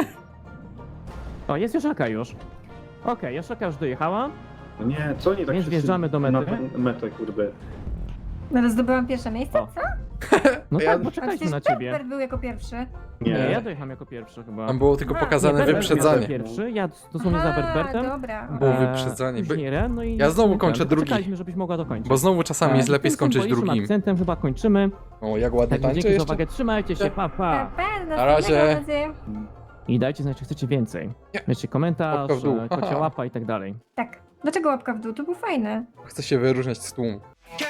[SPEAKER 1] jest Joszelka już. Okej, Joszelka już dojechała.
[SPEAKER 4] No nie, co oni tak
[SPEAKER 1] Więc
[SPEAKER 4] wszyscy
[SPEAKER 1] wjeżdżamy do mety.
[SPEAKER 4] Na metę, kurde.
[SPEAKER 3] Ale zdobyłam pierwsze miejsce,
[SPEAKER 1] O.
[SPEAKER 3] co?
[SPEAKER 1] No
[SPEAKER 2] Ja-
[SPEAKER 1] tak,
[SPEAKER 3] A
[SPEAKER 1] poczekajmy
[SPEAKER 3] przecież
[SPEAKER 1] na ciebie.
[SPEAKER 3] Berber był jako pierwszy.
[SPEAKER 1] Nie, ja
[SPEAKER 4] Nie.
[SPEAKER 1] dojechałem jako pierwszy chyba.
[SPEAKER 2] Tam było tylko
[SPEAKER 3] A,
[SPEAKER 2] pokazane
[SPEAKER 1] Nie, Berbert
[SPEAKER 2] wyprzedzanie.
[SPEAKER 1] był pierwszy, ja dosłownie za Berbertem.
[SPEAKER 3] dobra.
[SPEAKER 2] Było
[SPEAKER 3] okej.
[SPEAKER 2] wyprzedzanie.
[SPEAKER 1] Później Ren, no i
[SPEAKER 2] Ja znowu
[SPEAKER 1] ten,
[SPEAKER 2] kończę drugi.
[SPEAKER 1] Poczekaliśmy, żebyś mogła dokończyć.
[SPEAKER 2] Bo znowu czasami jest lepiej
[SPEAKER 1] Tym
[SPEAKER 2] skończyć
[SPEAKER 1] symbolicznym
[SPEAKER 2] drugim.
[SPEAKER 1] akcentem chyba kończymy.
[SPEAKER 2] O, jak ładnie
[SPEAKER 1] Także
[SPEAKER 2] tańczy
[SPEAKER 1] dzięki za
[SPEAKER 2] jeszcze.
[SPEAKER 1] uwagę, trzymajcie się, pa.
[SPEAKER 3] Na
[SPEAKER 2] razie.
[SPEAKER 1] I dajcie znać, czy chcecie więcej.
[SPEAKER 2] Nie.
[SPEAKER 1] Wiecie, komentarz,
[SPEAKER 2] Łapka w dół.
[SPEAKER 1] kocia łapa i tak dalej.
[SPEAKER 3] Tak. Dlaczego łapka w dół? To był fajny.
[SPEAKER 2] Chcę się wyróżniać z tłumu.